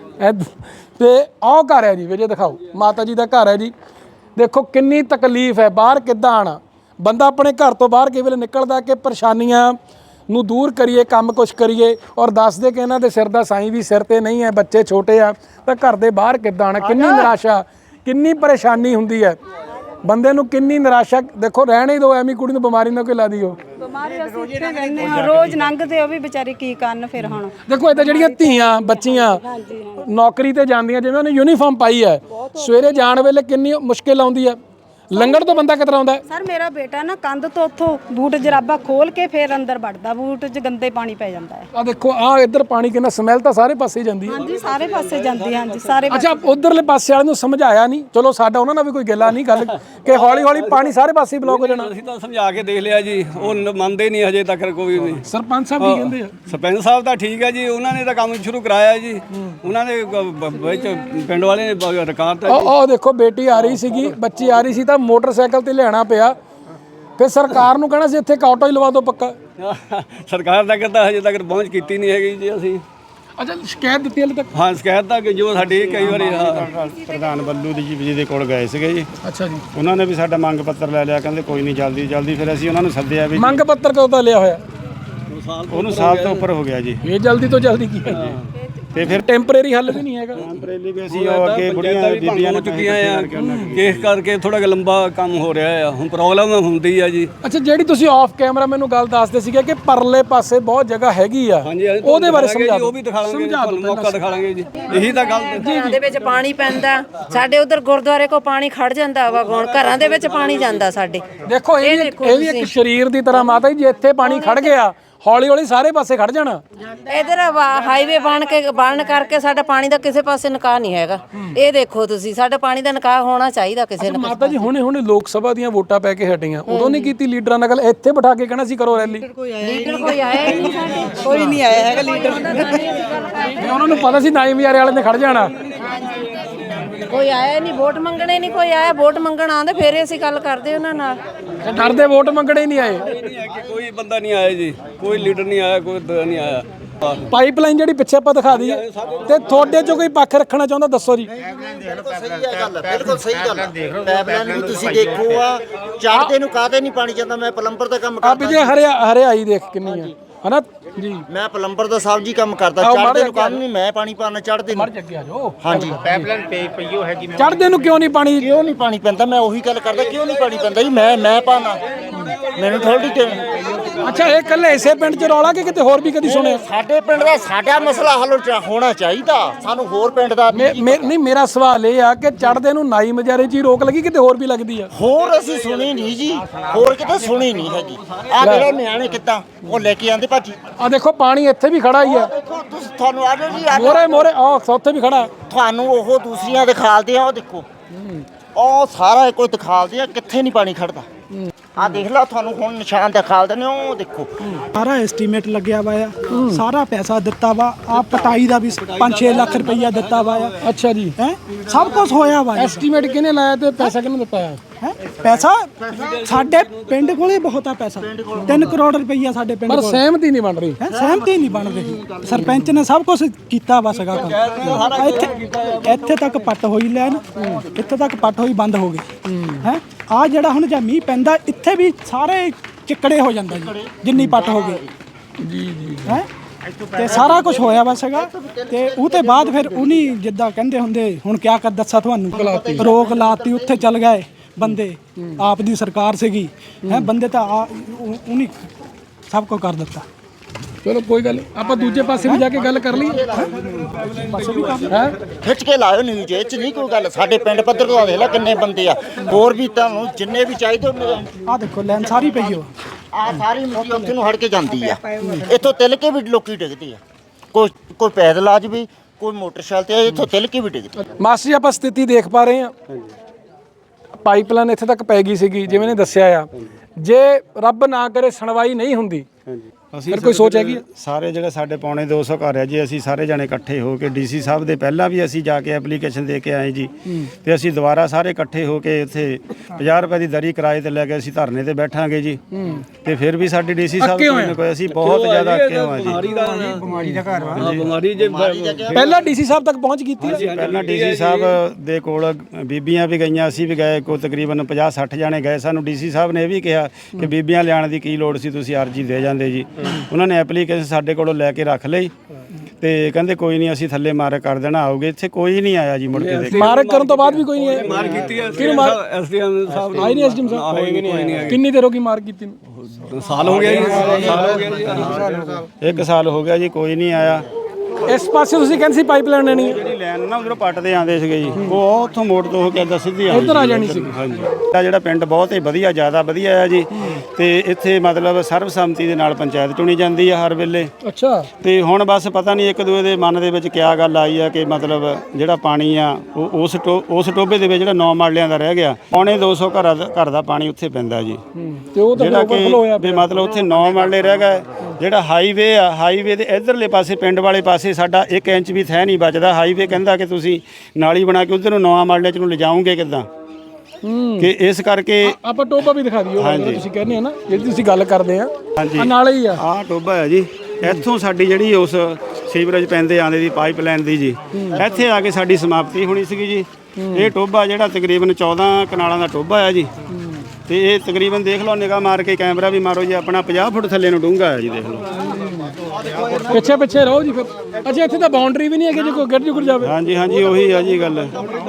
ਤੇ ਆਹ ਘਰ ਹੈ ਜੀ, ਵਿਜੇ ਦਿਖਾਓ, ਮਾਤਾ ਜੀ ਦਾ ਘਰ ਹੈ ਜੀ। ਦੇਖੋ ਕਿੰਨੀ ਤਕਲੀਫ ਹੈ, ਬਾਹਰ ਕਿੱਦਾਂ ਆਣਾ। ਬੰਦਾ ਆਪਣੇ ਘਰ ਤੋਂ ਬਾਹਰ ਕਈ ਵੇਲੇ ਨਿਕਲਦਾ ਕਿ ਪਰੇਸ਼ਾਨੀਆਂ ਨੂੰ ਦੂਰ ਕਰੀਏ, ਕੰਮ ਕੁਛ ਕਰੀਏ, ਔਰ ਦੱਸਦੇ ਕਿ ਇਹਨਾਂ ਦੇ ਸਿਰ ਦਾ ਸਾਈਂ ਵੀ ਸਿਰ ਤੇ ਨਹੀਂ ਹੈ, ਬੱਚੇ ਛੋਟੇ ਆ, ਤਾਂ ਘਰ ਦੇ ਬਾਹਰ ਕਿੱਦਾਂ ਆਣਾ। ਕਿੰਨੀ ਨਿਰਾਸ਼ਾ, ਕਿੰਨੀ ਪਰੇਸ਼ਾਨੀ ਹੁੰਦੀ ਹੈ ਬੰਦੇ ਨੂੰ, ਕਿੰਨੀ ਨਿਰਾਸ਼ਾ। ਦੇਖੋ ਰਹਿਣ ਹੀ ਦਿਓ, ਐਵੇਂ ਕੁੜੀ ਨੂੰ ਬਿਮਾਰੀ ਨਾ ਕੋਈ ਲਾ ਦਿਓ। ਬਿਮਾਰੀ ਅਸੀਂ ਇੱਥੇ ਰਹਿੰਦੇ ਹਾਂ, ਰੋਜ਼ ਲੰਘਦੇ, ਉਹ ਵੀ ਵਿਚਾਰੇ ਕੀ ਕਰਨ ਫਿਰ ਹੁਣ। ਦੇਖੋ ਇੱਥੇ ਜਿਹੜੀਆਂ ਧੀਆਂ ਬੱਚੀਆਂ ਨੌਕਰੀ ਤੇ ਜਾਂਦੀਆਂ, ਜਿਵੇਂ ਉਹਨੇ ਯੂਨੀਫਾਰਮ ਪਾਈ ਹੈ, ਸਵੇਰੇ ਜਾਣ ਵੇਲੇ ਕਿੰਨੀ ਮੁਸ਼ਕਿਲ ਆਉਂਦੀ ਹੈ। ਲੰਗੜ ਤੋਂ ਬੰਦਾ ਕਿਤਰਾ ਆਉਂਦਾ? ਸਰ ਮੇਰਾ ਬੇਟਾ ਨਾ ਕੰਧ ਤੋਂ ਉੱਥੋਂ ਬੂਟ ਜਰਾਬਾ ਖੋਲ ਕੇ ਫਿਰ ਅੰਦਰ ਵੜਦਾ, ਬੂਟ 'ਚ ਗੰਦੇ ਪਾਣੀ ਪੈ ਜਾਂਦਾ ਹੈ। ਆ ਦੇਖੋ ਆ ਇੱਧਰ ਪਾਣੀ ਕਿੰਨਾ, ਸਮੈਲ ਤਾਂ ਸਾਰੇ ਪਾਸੇ ਜਾਂਦੀ ਹੈ। ਹਾਂਜੀ, ਸਾਰੇ ਪਾਸੇ ਜਾਂਦੀ ਹੈ। ਹਾਂਜੀ, ਸਾਰੇ ਅੱਛਾ, ਉਧਰਲੇ ਪਾਸੇ ਵਾਲਿਆਂ ਨੂੰ ਸਮਝਾਇਆ ਨਹੀਂ? ਚਲੋ ਸਾਡਾ ਉਹਨਾਂ ਨਾਲ ਵੀ ਕੋਈ ਗੱਲਾਂ ਨਹੀਂ, ਗੱਲ ਕਿ ਹੌਲੀ ਹੌਲੀ ਪਾਣੀ ਸਾਰੇ ਪਾਸੇ ਬਲੌਕ ਹੋ ਜਾਣਾ। ਅਸੀਂ ਤਾਂ ਸਮਝਾ ਕੇ ਦੇਖ ਲਿਆ ਜੀ, ਉਹ ਨ- ਮੰਨਦੇ ਨਹੀਂ ਹਜੇ ਤੱਕ ਕੋਈ ਵੀ। ਸਰਪੰਚ ਸਾਹਿਬ ਕੀ ਕਹਿੰਦੇ ਆ? ਸਰਪੰਚ ਸਾਹਿਬ ਤਾਂ ਠੀਕ ਹੈ ਜੀ, ਉਹਨਾਂ ਨੇ ਤਾਂ ਕੰਮ ਸ਼ੁਰੂ ਕਰਾਇਆ ਜੀ। ਉਹਨਾਂ ਦੇ ਗ- ਬ- ਵਿੱਚ ਪਿੰਡ ਵਾਲੇ ਨੇ ਬ- ਰਿਕਾਰਡ ਤਾਂ ਉਹ ਉਹ ਦੇਖੋ ਬੇਟੀ ਆ ਰਹੀ ਸੀਗੀ, ਬੱਚੀ ਆ ਰਹੀ ਸੀ, ਤਾਂ ਮੋਟਰਸਾਈਕਲ ਤੇ ਲਿਆਣਾ ਪਿਆ। ਫਿਰ ਸਰਕਾਰ ਨੂੰ ਕਹਿਣਾ ਸੀ ਇੱਥੇ ਇੱਕ ਆਟੋ ਹੀ ਲਵਾ ਦਿਓ ਪੱਕਾ। ਸਰਕਾਰ ਤੱਕ ਤਾਂ ਹਜੇ ਤੱਕ ਪਹੁੰਚ ਕੀਤੀ ਨਹੀਂ ਹੈਗੀ ਜੀ ਅਸੀਂ। ਅੱਛਾ, ਸ਼ਿਕਾਇਤ ਦਿੱਤੀ ਹਲੇ ਤੱਕ? ਹਾਂ, ਸ਼ਿਕਾਇਤ ਤਾਂ ਕਿ ਜੋ ਸਾਡੀ ਕਈ ਵਾਰੀ ਹਾਂ ਪ੍ਰਧਾਨ ਬੱਲੂ ਦੀ ਜੀ ਜੀ ਦੇ ਕੋਲ ਗਏ ਸੀਗੇ ਜੀ। ਅੱਛਾ ਜੀ, ਉਹਨਾਂ ਨੇ ਵੀ ਸਾਡਾ ਮੰਗ ਪੱਤਰ ਲੈ ਲਿਆ, ਕਹਿੰਦੇ ਕੋਈ ਨਹੀਂ, ਜਲਦੀ ਜਲਦੀ। ਫਿਰ ਅਸੀਂ ਉਹਨਾਂ ਨੂੰ ਸੱਦਿਆ ਵੀ ਮੰਗ ਪੱਤਰ ਕਦੋਂ ਦਾ ਲਿਆ ਹੋਇਆ? ਉਹਨੂੰ ਸਾਲ ਤੋਂ ਉੱਪਰ ਹੋ ਗਿਆ ਜੀ। ਇਹ ਜਲਦੀ ਤੋਂ ਜਲਦੀ ਕੀ ਹੈ? ਤੇ ਫਿਰ ਟੈਂਪਰੇਰੀ ਹੱਲ ਵੀ ਨਹੀਂ ਹੈਗਾ। ਟੈਂਪਰੇਰੀ ਵੀ ਅਸੀਂ ਉਹ ਅੱਗੇ ਬੁੜੀਆਂ ਬੀਬੀਆਂ ਹੋ ਚੁੱਕੀਆਂ ਆ, ਕੇਸ ਕਰਕੇ ਥੋੜਾ ਜਿਹਾ ਲੰਬਾ ਕੰਮ ਹੋ ਰਿਹਾ ਆ। ਹੁਣ ਪ੍ਰੋਬਲਮ ਹੁੰਦੀ ਆ ਜੀ। ਅੱਛਾ, ਜਿਹੜੀ ਤੁਸੀਂ ਆਫ ਕੈਮਰਾ ਮੈਨੂੰ ਗੱਲ ਦੱਸਦੇ ਸੀਗੇ ਕਿ ਪਰਲੇ ਪਾਸੇ ਬਹੁਤ ਜਗ੍ਹਾ ਹੈਗੀ ਆ, ਉਹਦੇ ਬਾਰੇ ਸਮਝਾ ਦਿਓ। ਉਹ ਵੀ ਦਿਖਾ ਲਾਂਗੇ, ਤੁਹਾਨੂੰ ਮੌਕਾ ਦਿਖਾ ਲਾਂਗੇ ਜੀ। ਇਹੀ ਤਾਂ ਗੱਲ ਘਰਾਂ ਦੇ ਵਿੱਚ ਪਾਣੀ ਪੈਂਦਾ, ਸਾਡੇ ਉਧਰ ਗੁਰਦੁਆਰੇ ਕੋ ਪਾਣੀ ਖੜ ਜਾਂਦਾ ਵਾ, ਹੁਣ ਘਰਾਂ ਦੇ ਵਿੱਚ ਪਾਣੀ ਜਾਂਦਾ ਸਾਡੇ। ਦੇਖੋ ਇਹ ਵੀ ਇਹ ਵੀ ਇੱਕ ਸਰੀਰ ਦੀ ਤਰ੍ਹਾਂ ਮਾਤਾ ਜੀ, ਜੇ ਇੱਥੇ ਪਾਣੀ ਖੜ ਗਿਆ ਹੌਲੀ ਹੌਲੀ ਸਾਰੇ ਪਾਸੇ ਖੜ ਜਾਣਾ। ਇਧਰ ਹਾਈਵੇ ਬਣ ਕੇ ਬਣ ਕਰਕੇ ਸਾਡਾ ਪਾਣੀ ਦਾ ਕਿਸੇ ਪਾਸੇ ਨਿਕਾਹ ਨਹੀਂ ਹੈਗਾ। ਇਹ ਦੇਖੋ ਤੁਸੀਂ, ਸਾਡਾ ਪਾਣੀ ਦਾ ਨਿਕਾਹ ਹੋਣਾ ਚਾਹੀਦਾ ਕਿਸੇ ਨਾ। ਮਾਤਾ ਜੀ ਹੁਣੇ ਹੁਣੇ ਲੋਕ ਸਭਾ ਦੀਆਂ ਵੋਟਾਂ ਪੈ ਕੇ ਹਟੀਆਂ, ਉਦੋਂ ਨਹੀਂ ਕੀਤੀ ਲੀਡਰਾਂ ਨਾਲ ਗੱਲ? ਇੱਥੇ ਬਿਠਾ ਕੇ ਕਹਿਣਾ ਸੀ ਕਰੋ ਰੈਲੀ। ਲੀਡਰ ਕੋਈ ਆਇਆ ਹੀ ਨਹੀਂ ਸਾਡੇ, ਕੋਈ ਨਹੀਂ ਆਇਆ ਹੈਗਾ ਲੀਡਰ। ਉਹਨਾਂ ਨੂੰ ਪਤਾ ਸੀ ਨਾਈ ਮਜਾਰੇ ਵਾਲੇ ਨੇ ਖੜ ਜਾਣਾ। ਕੋਈ ਆਇਆ ਨਹੀਂ, ਵੋਟ ਮੰਗਣੇ ਨਹੀਂ ਕੋਈ ਆਇਆ। ਵੋਟ ਮੰਗਣ ਆਉਂਦੇ ਫੇਰ ਅਸੀਂ ਗੱਲ ਕਰਦੇ ਉਹਨਾਂ ਨਾਲ। ਡਰਦੇ ਵੋਟ ਮੰਗਣੇ ਹੀ ਨਹੀਂ ਆਏ। ਨਹੀਂ ਹੈ ਕਿ ਕੋਈ ਬੰਦਾ ਨਹੀਂ ਆਇਆ ਜੀ, ਕੋਈ ਲੀਡਰ ਨਹੀਂ ਆਇਆ, ਕੋਈ ਦ- ਨਹੀਂ ਆਇਆ। ਪਾਈਪਲਾਈਨ ਜਿਹੜੀ ਪਿੱਛੇ ਆਪਾਂ ਦਿਖਾ ਦਈਏ, ਤੇ ਤੁਹਾਡੇ ਚੋਂ ਕੋਈ ਪੱਖ ਰੱਖਣਾ ਚਾਹੁੰਦਾ ਦੱਸੋ ਜੀ। ਬਿਲਕੁਲ ਸਹੀ ਹੈ ਗੱਲ, ਬਿਲਕੁਲ ਸਹੀ ਗੱਲ। ਪਾਈਪਲਾਈਨ ਵੀ ਤੁਸੀਂ ਦੇਖੋ ਆ, ਚੜ੍ਹਦੇ ਨੂੰ ਕਾਹਦੇ ਨਹੀਂ ਪਾਣੀ ਜਾਂਦਾ। ਮੈਂ ਪਲੰਬਰ ਦਾ ਕੰਮ ਆ ਵੀ ਜੇ ਹਰਿਆ ਹਰਿਆਈ ਦੇਖ ਕਿੰਨੀ ਆ, ਹਨਾ ਜੀ? ਮੈਂ ਪਲੰਬਰ ਦਾ ਸਾਹਿਬ ਜੀ ਕੰਮ ਕਰਦਾ। ਚੜ੍ਹਦੇ ਨੂੰ ਕਾਹਨੂੰ ਨਹੀਂ, ਮੈਂ ਪਾਣੀ ਪਾਣਾ ਚੜ੍ਹਦੇ ਨੂੰ। ਅੱਗੇ ਆ ਜਾਓ। ਹਾਂਜੀ, ਪਾਈਪਲਾਈਨ ਪਈ ਪਈਓ ਹੈਗੀ। ਚੜ੍ਹਦੇ ਨੂੰ ਕਿਉਂ ਨਹੀਂ ਪਾਣੀ? ਕਿਉਂ ਨਹੀਂ ਪਾਣੀ ਪੈਂਦਾ? ਮੈਂ ਉਹੀ ਗੱਲ ਕਰਦਾ, ਕਿਉਂ ਨਹੀਂ ਪਾਣੀ ਪੈਂਦਾ ਜੀ? ਮੈਂ ਮੈਂ ਪਾਣਾ, ਮੈਨੂੰ ਥੋੜੀ ਕਿ ਅੱਛਾ, ਇਹ ਕੱਲੇ ਇਸੇ ਪਿੰਡ 'ਚ ਰੌਲਾ ਕਿ ਕਿਤੇ ਹੋਰ ਵੀ ਕਦੀ ਸੁਣਿਆ? ਸਾਡੇ ਪਿੰਡ ਦਾ ਸਾਡਾ ਮਸਲਾ ਹੱਲ ਚ- ਹੋਣਾ ਚਾਹੀਦਾ। ਸਾਨੂੰ ਹੋਰ ਪਿੰਡ ਦਾ ਮੇ- ਮੇ- ਨਹੀਂ, ਮੇਰਾ ਸਵਾਲ ਇਹ ਆ ਕਿ ਚੜ੍ਹਦੇ ਨੂੰ ਨਾਈ ਮਜਾਰੇ 'ਚ ਹੀ ਰੋਕ ਲੱਗੀ, ਕਿਤੇ ਹੋਰ ਵੀ ਲੱਗਦੀ ਆ? ਹੋਰ ਅਸੀਂ ਸੁਣੀ ਨਹੀਂ ਜੀ, ਹੋਰ ਕਿਤੇ ਸੁਣੀ ਨਹੀਂ ਹੈਗੀ। ਆ ਜਿਹੜੇ ਨਿਆਣੇ ਕਿੱਦਾਂ ਉਹ ਲੈ ਕੇ ਆਂਦੇ ਭਾਜੀ। ਆ ਦੇਖੋ ਪਾਣੀ ਇੱਥੇ ਵੀ ਖੜਾ ਹੀ ਆ, ਦੇਖੋ ਤੁਸੀਂ, ਤੁਹਾਨੂੰ ਆਜੋ ਜੀ, ਆਜੋ। ਮੋਰੇ ਮੋਰੇ ਆ ਉੱਥੇ ਵੀ ਖੜਾ। ਤੁਹਾਨੂੰ ਉਹ ਦੂਸਰੀਆਂ ਦਿਖਾਲਦੇ ਆ, ਉਹ ਦੇਖੋ ਉਹ ਸਾਰਾ ਕੋਈ ਦਿਖਾਲਦੇ ਆ, ਕਿੱਥੇ ਨਹੀਂ ਪਾਣੀ ਖੜਦਾ। ਆ ਦੇਖ ਲਓ, ਤੁਹਾਨੂੰ ਹੁਣ ਨਿਸ਼ਾਨ ਦਿਖਾਲਦੇ ਨੇ, ਉਹ ਦੇਖੋ। ਸਾਰਾ ਐਸਟੀਮੇਟ ਲੱਗਿਆ ਵਾ ਆ, ਸਾਰਾ ਪੈਸਾ ਦਿੱਤਾ ਵਾ। ਆ ਪਟਾਈ ਦਾ ਵੀ ਪੰਜ ਛੇ ਲੱਖ ਰੁਪਈਆ ਦਿੱਤਾ ਵਾ ਆ। ਅੱਛਾ ਜੀ, ਹੈ ਸਭ ਕੁਝ ਹੋਇਆ ਵਾ। ਐਸਟੀਮੇਟ ਕਿਹਨੇ ਲਾਇਆ ਤੇ ਪੈਸਾ ਕਿਹਨੇ ਦਿੱਤਾ ਆ? ਹੈ ਪੈਸਾ ਸਾਡੇ ਪਿੰਡ ਕੋਲੇ ਬਹੁਤ ਆ ਪੈਸਾ, ਤਿੰਨ ਕਰੋੜ ਰੁਪਈਆ ਸਾਡੇ ਪਿੰਡ ਪਰ ਕੋਲ। ਸਹਿਮਤੀ ਨਹੀਂ ਬਣ ਰਹੀ। ਹੈ ਸਹਿਮਤੀ ਨਹੀਂ ਬਣ ਰਹੀ। ਸਰਪੰਚ ਨੇ ਸਭ ਕੁਝ ਕੀਤਾ ਵਾ ਸੀਗਾ ਕੰਮ। ਇੱਥੇ ਇੱਥੇ ਤੱਕ ਪੱਟ ਹੋਈ ਲੈਣ, ਇੱਥੇ ਤੱਕ ਪੱਟ ਹੋਈ ਬੰਦ ਹੋ ਗਈ। ਹੈ ਆ ਜਿਹੜਾ ਹੁਣ ਜੇ ਮੀਂਹ ਪੈਂਦਾ, ਇੱਥੇ ਵੀ ਸਾਰੇ ਚਿੱਕੜੇ ਹੋ ਜਾਂਦਾ ਜੀ, ਜਿੰਨੀ ਪੱਟ ਹੋ ਗਈ। ਜੀ ਜੀ ਹੈ ਤੇ ਸਾਰਾ ਕੁਝ ਹੋਇਆ ਵਾ ਸੀਗਾ। ਤੇ ਉਹ ਤੇ ਬਾਅਦ ਫਿਰ ਉਹਨੀ ਜਿੱਦਾਂ ਕਹਿੰਦੇ ਹੁੰਦੇ, ਹੁਣ ਕਿਆ ਕਰ ਦੱਸਾਂ ਤੁਹਾਨੂੰ, ਰੋਕ ਲਾਤੀ, ਉੱਥੇ ਚੱਲ ਗਏ ਬੰਦੇ। ਆਪ ਦੀ ਸਰਕਾਰ ਸੀਗੀ, ਹੈ ਬੰਦੇ ਤਾਂ ਉਹਨੀ ਸਭ ਕੁਝ ਕਰ ਦਿੱਤਾ। ਚਲੋ ਕੋਈ ਗੱਲ ਨਹੀਂ, ਆਪਾਂ ਦੂਜੇ ਪਾਸੇ ਵੀ ਜਾ ਕੇ ਗੱਲ ਕਰ ਲਈਏ ਹੈ। ਖਿੱਚ ਕੇ ਲਾਇਓ ਨਿਊਜ਼ ਇਹ ਚ ਨਹੀਂ ਕੋਈ ਗੱਲ। ਸਾਡੇ ਪਿੰਡ ਪੱਧਰ ਤੋਂ ਦੇਖ ਲੈ ਕਿੰਨੇ ਬੰਦੇ ਆ, ਹੋਰ ਵੀ ਤੁਹਾਨੂੰ ਜਿੰਨੇ ਵੀ ਚਾਹੀਦੇ ਆ ਦੇਖੋ ਲੈਣ ਸਾਰੀ ਪਈ ਹੋ ਆ ਸਾਰੀ ਮਿੱਟੀ ਉੱਥੇ ਨੂੰ ਹੜ ਕੇ ਜਾਂਦੀ ਆ। ਇੱਥੋਂ ਤਿਲ ਕੇ ਵੀ ਲੋਕੀ ਡਿੱਗਦੇ ਆ, ਕੋਈ ਕੋਈ ਪੈਦਲ ਆ ਜਾਵੇ, ਕੋਈ ਮੋਟਰਸਾਈਕਲ ਤੇ, ਇੱਥੋਂ ਤਿਲ ਕੇ ਵੀ ਡਿੱਗਦੇ। ਮਾਸਟਰ ਜੀ ਆਪਾਂ ਸਥਿਤੀ ਦੇਖ ਪਾ ਰਹੇ ਹਾਂ, ਪਾਈਪਲਾਈਨ ਇੱਥੇ ਤੱਕ ਪੈ ਗਈ ਸੀਗੀ ਜਿਵੇਂ ਨੇ ਦੱਸਿਆ ਆ। ਜੇ ਰੱਬ ਨਾ ਕਰੇ ਸੁਣਵਾਈ ਨਹੀਂ ਹੁੰਦੀ ਫਿਰ ਕੋਈ ਸੋਚ ਹੈਗੀ? ਸਾਰੇ ਜਿਹੜੇ ਸਾਡੇ ਪੌਣੇ ਦੋ ਸੌ ਘਰ ਹੈ ਜੀ, ਅਸੀਂ ਸਾਰੇ ਜਣੇ ਇਕੱਠੇ ਹੋ ਕੇ ਡੀਸੀ ਸਾਹਿਬ ਦੇ ਪਹਿਲਾਂ ਵੀ ਅਸੀਂ ਜਾ ਕੇ ਐਪਲੀਕੇਸ਼ਨ ਦੇ ਕੇ ਆਏ ਜੀ, ਤੇ ਅਸੀਂ ਦੁਬਾਰਾ ਸਾਰੇ ਇਕੱਠੇ ਹੋ ਕੇ ਇੱਥੇ ਪੰਜਾਹ ਰੁਪਏ ਦੀ ਦਰੀ ਕਿਰਾਏ ਤੇ ਲੈ ਕੇ ਅਸੀਂ ਧਰਨੇ ਤੇ ਬੈਠਾਂਗੇ ਜੀ। ਤੇ ਫਿਰ ਵੀ ਸਾਡੀ ਡੀਸੀ ਸਾਹਿਬ ਕੋਈ ਨਾ ਕੋਈ, ਅਸੀਂ ਬਹੁਤ ਜ਼ਿਆਦਾ ਅੱਕੇ ਹੋਏ ਜੀ। ਬਿਮਾਰੀ ਦਾ ਘਰ ਵਾ, ਬਿਮਾਰੀ ਜੇ ਪਹਿਲਾਂ ਡੀਸੀ ਸਾਹਿਬ ਤੱਕ ਪਹੁੰਚ ਕੀਤੀ ਹੈ। ਪਹਿਲਾਂ ਡੀਸੀ ਸਾਹਿਬ ਦੇ ਕੋਲ ਬੀਬੀਆਂ ਵੀ ਗਈਆਂ, ਅਸੀਂ ਵੀ ਗਏ, ਕੋਈ ਤਕਰੀਬਨ ਪੰਜਾਹ ਸੱਠ ਜਾਣੇ ਗਏ। ਸਾਨੂੰ ਡੀਸੀ ਸਾਹਿਬ ਨੇ ਇਹ ਵੀ ਕਿਹਾ ਕਿ ਬੀਬੀਆਂ ਲਿਆਉਣ ਦੀ ਕੀ ਲੋੜ ਸੀ, ਤੁਸੀਂ ਅਰਜੀ ਦੇ ਜਾਂਦੇ ਜੀ। ਉਹਨਾਂ ਨੇ ਐਪਲੀਕੇਸ਼ਨ ਸਾਡੇ ਕੋਲੋਂ ਲੈ ਕੇ ਰੱਖ ਲਈ ਤੇ ਕਹਿੰਦੇ ਕੋਈ ਨਹੀਂ ਅਸੀਂ ਥੱਲੇ ਮਾਰਕ ਕਰ ਦੇਣਾ, ਆਓਗੇ। ਇੱਥੇ ਕੋਈ ਨਹੀਂ ਆਇਆ ਜੀ ਮੁੜ ਕੇ। ਦੇਖ ਮਾਰਕ ਕਰਨ ਤੋਂ ਬਾਅਦ ਵੀ ਕੋਈ ਨਹੀਂ ਆਇਆ। ਮਾਰ ਕੀਤੀ ਹੈ ਕਿਹਨੂੰ ਮਾਰ? ਐਸਡੀਐਮ ਸਾਹਿਬ ਆਈ ਨਹੀਂ ਐਸਡੀਐਮ ਸਾਹਿਬ? ਕਿੰਨੀ ਦੇਰ ਹੋ ਗਈ ਮਾਰ ਕੀਤੀ ਨੂੰ? ਸਾਲ ਹੋ ਗਿਆ ਜੀ, ਸਾਲ ਹੋ ਗਿਆ ਜੀ, ਇੱਕ ਸਾਲ ਹੋ ਗਿਆ ਜੀ, ਕੋਈ ਨਹੀਂ ਆਇਆ। ਇਸ ਪਾਸੇ ਤੁਸੀਂ ਕਹਿੰਦੇ ਸੀ ਪਾਈਪਲਾਈਨ ਲੈਣੀ ਹੈ, ਜਿਹੜੀ ਲਾਈਨ ਨਾ ਉਧਰੋਂ ਪੱਟਦੇ ਆਉਂਦੇ ਸੀਗੇ ਜੀ, ਉਹ ਉੱਥੋਂ ਮੋੜ ਤੋਂ ਹੋ ਕੇ ਇੱਦਾਂ ਸਿੱਧੀ ਆਉਂਦੀ ਇੱਧਰ ਆ ਜਾਣੀ ਸੀ। ਹਾਂਜੀ, ਇਹ ਜਿਹੜਾ ਪਿੰਡ ਬਹੁਤ ਹੀ ਵਧੀਆ, ਜ਼ਿਆਦਾ ਵਧੀਆ ਹੈ ਜੀ। ਤੇ ਇੱਥੇ ਮਤਲਬ ਸਰਬਸੰਮਤੀ ਦੇ ਨਾਲ ਪੰਚਾਇਤ ਚੁਣੀ ਜਾਂਦੀ ਹੈ ਹਰ ਵੇਲੇ। ਅੱਛਾ। ਤੇ ਹੁਣ ਬਸ ਪਤਾ ਨਹੀਂ ਇੱਕ ਦੂਏ ਦੇ ਮਨ ਦੇ ਵਿੱਚ ਕਿਆ ਗੱਲ ਆਈ ਆ ਕਿ ਮਤਲਬ ਜਿਹੜਾ ਪਾਣੀ ਆ ਉਹ ਉਸ ਟੋ ਉਸ ਟੋਭੇ ਦੇ ਵਿੱਚ ਜਿਹੜਾ ਨੌ ਮਾਲਿਆਂ ਦਾ ਰਹਿ ਗਿਆ, ਪੌਣੇ ਦੋ ਸੌ ਘਰਾਂ ਦਾ ਘਰ ਦਾ ਪਾਣੀ ਉੱਥੇ ਪੈਂਦਾ ਜੀ। ਤੇ ਉਹ ਤਾਂ ਜਿਹੜਾ ਕਿ ਵੀ ਮਤਲਬ ਉੱਥੇ ਨੌ ਮਾਲੇ ਰਹਿ ਗਏ। ਜਿਹੜਾ ਹਾਈਵੇ ਆ, ਹਾਈਵੇ ਦੇ ਇਧਰਲੇ ਪਾਸੇ ਪਿੰਡ ਵਾਲੇ ਪਾਸੇ ਸਾਡਾ ਇੱਕ ਇੰਚ ਵੀ ਥੈ ਨਹੀਂ ਬਚਦਾ। ਹਾਈਵੇ ਕਹਿੰਦਾ ਕਿ ਤੁਸੀਂ ਨਾਲੀ ਬਣਾ ਕੇ ਉਧਰ ਨੂੰ ਨੌਂ ਮਾਲੇ ਚ ਨੂੰ ਲਿਜਾਓਗੇ ਕਿੱਦਾਂ, ਕਿ ਇਸ ਕਰਕੇ ਆਪਾਂ ਟੋਬਾ ਵੀ ਦਿਖਾ ਦਿਓ ਤੁਸੀਂ ਕਹਿੰਦੇ ਆ ਨਾ, ਜਿਹੜੀ ਤੁਸੀਂ ਗੱਲ ਕਰਦੇ ਆ। ਹਾਂਜੀ, ਨਾਲੇ ਹੀ ਆ ਆਹ ਟੋਬਾ ਹੈ ਜੀ। ਇੱਥੋਂ ਸਾਡੀ ਜਿਹੜੀ ਉਸ ਸੀਵਰੇਜ ਪੈਂਦੇ ਆਂਦੇ ਦੀ ਪਾਈਪਲਾਈਨ ਦੀ ਜੀ, ਇੱਥੇ ਆ ਕੇ ਸਾਡੀ ਸਮਾਪਤੀ ਹੋਣੀ ਸੀਗੀ ਜੀ। ਇਹ ਟੋਬਾ ਜਿਹੜਾ ਤਕਰੀਬਨ ਚੌਦਾਂ ਕਨਾਲਾਂ ਦਾ ਟੋਬਾ ਹੈ ਜੀ। ਤੇ ਇਹ ਤਕਰੀਬਨ ਦੇਖ ਲਓ, ਨਿਗਾਹ ਮਾਰ ਕੇ ਕੈਮਰਾ ਵੀ ਮਾਰੋ ਜੀ, ਆਪਣਾ ਪੰਜਾਹ ਫੁੱਟ ਥੱਲੇ ਨੂੰ ਡੂੰਘਾ ਹੈ ਜੀ, ਦੇਖ ਲਓ। ਪਿੱਛੇ ਪਿੱਛੇ ਰਹੋ ਜੀ ਫਿਰ। ਅੱਛਾ, ਇੱਥੇ ਤਾਂ ਬਾਉਂਡਰੀ ਵੀ ਨਹੀਂ ਹੈਗੀ ਜੇ ਕੋਈ ਗਿਰ ਜੁਗਰ ਜਾਵੇ। ਹਾਂਜੀ ਹਾਂਜੀ, ਉਹੀ ਆ ਜੀ ਗੱਲ।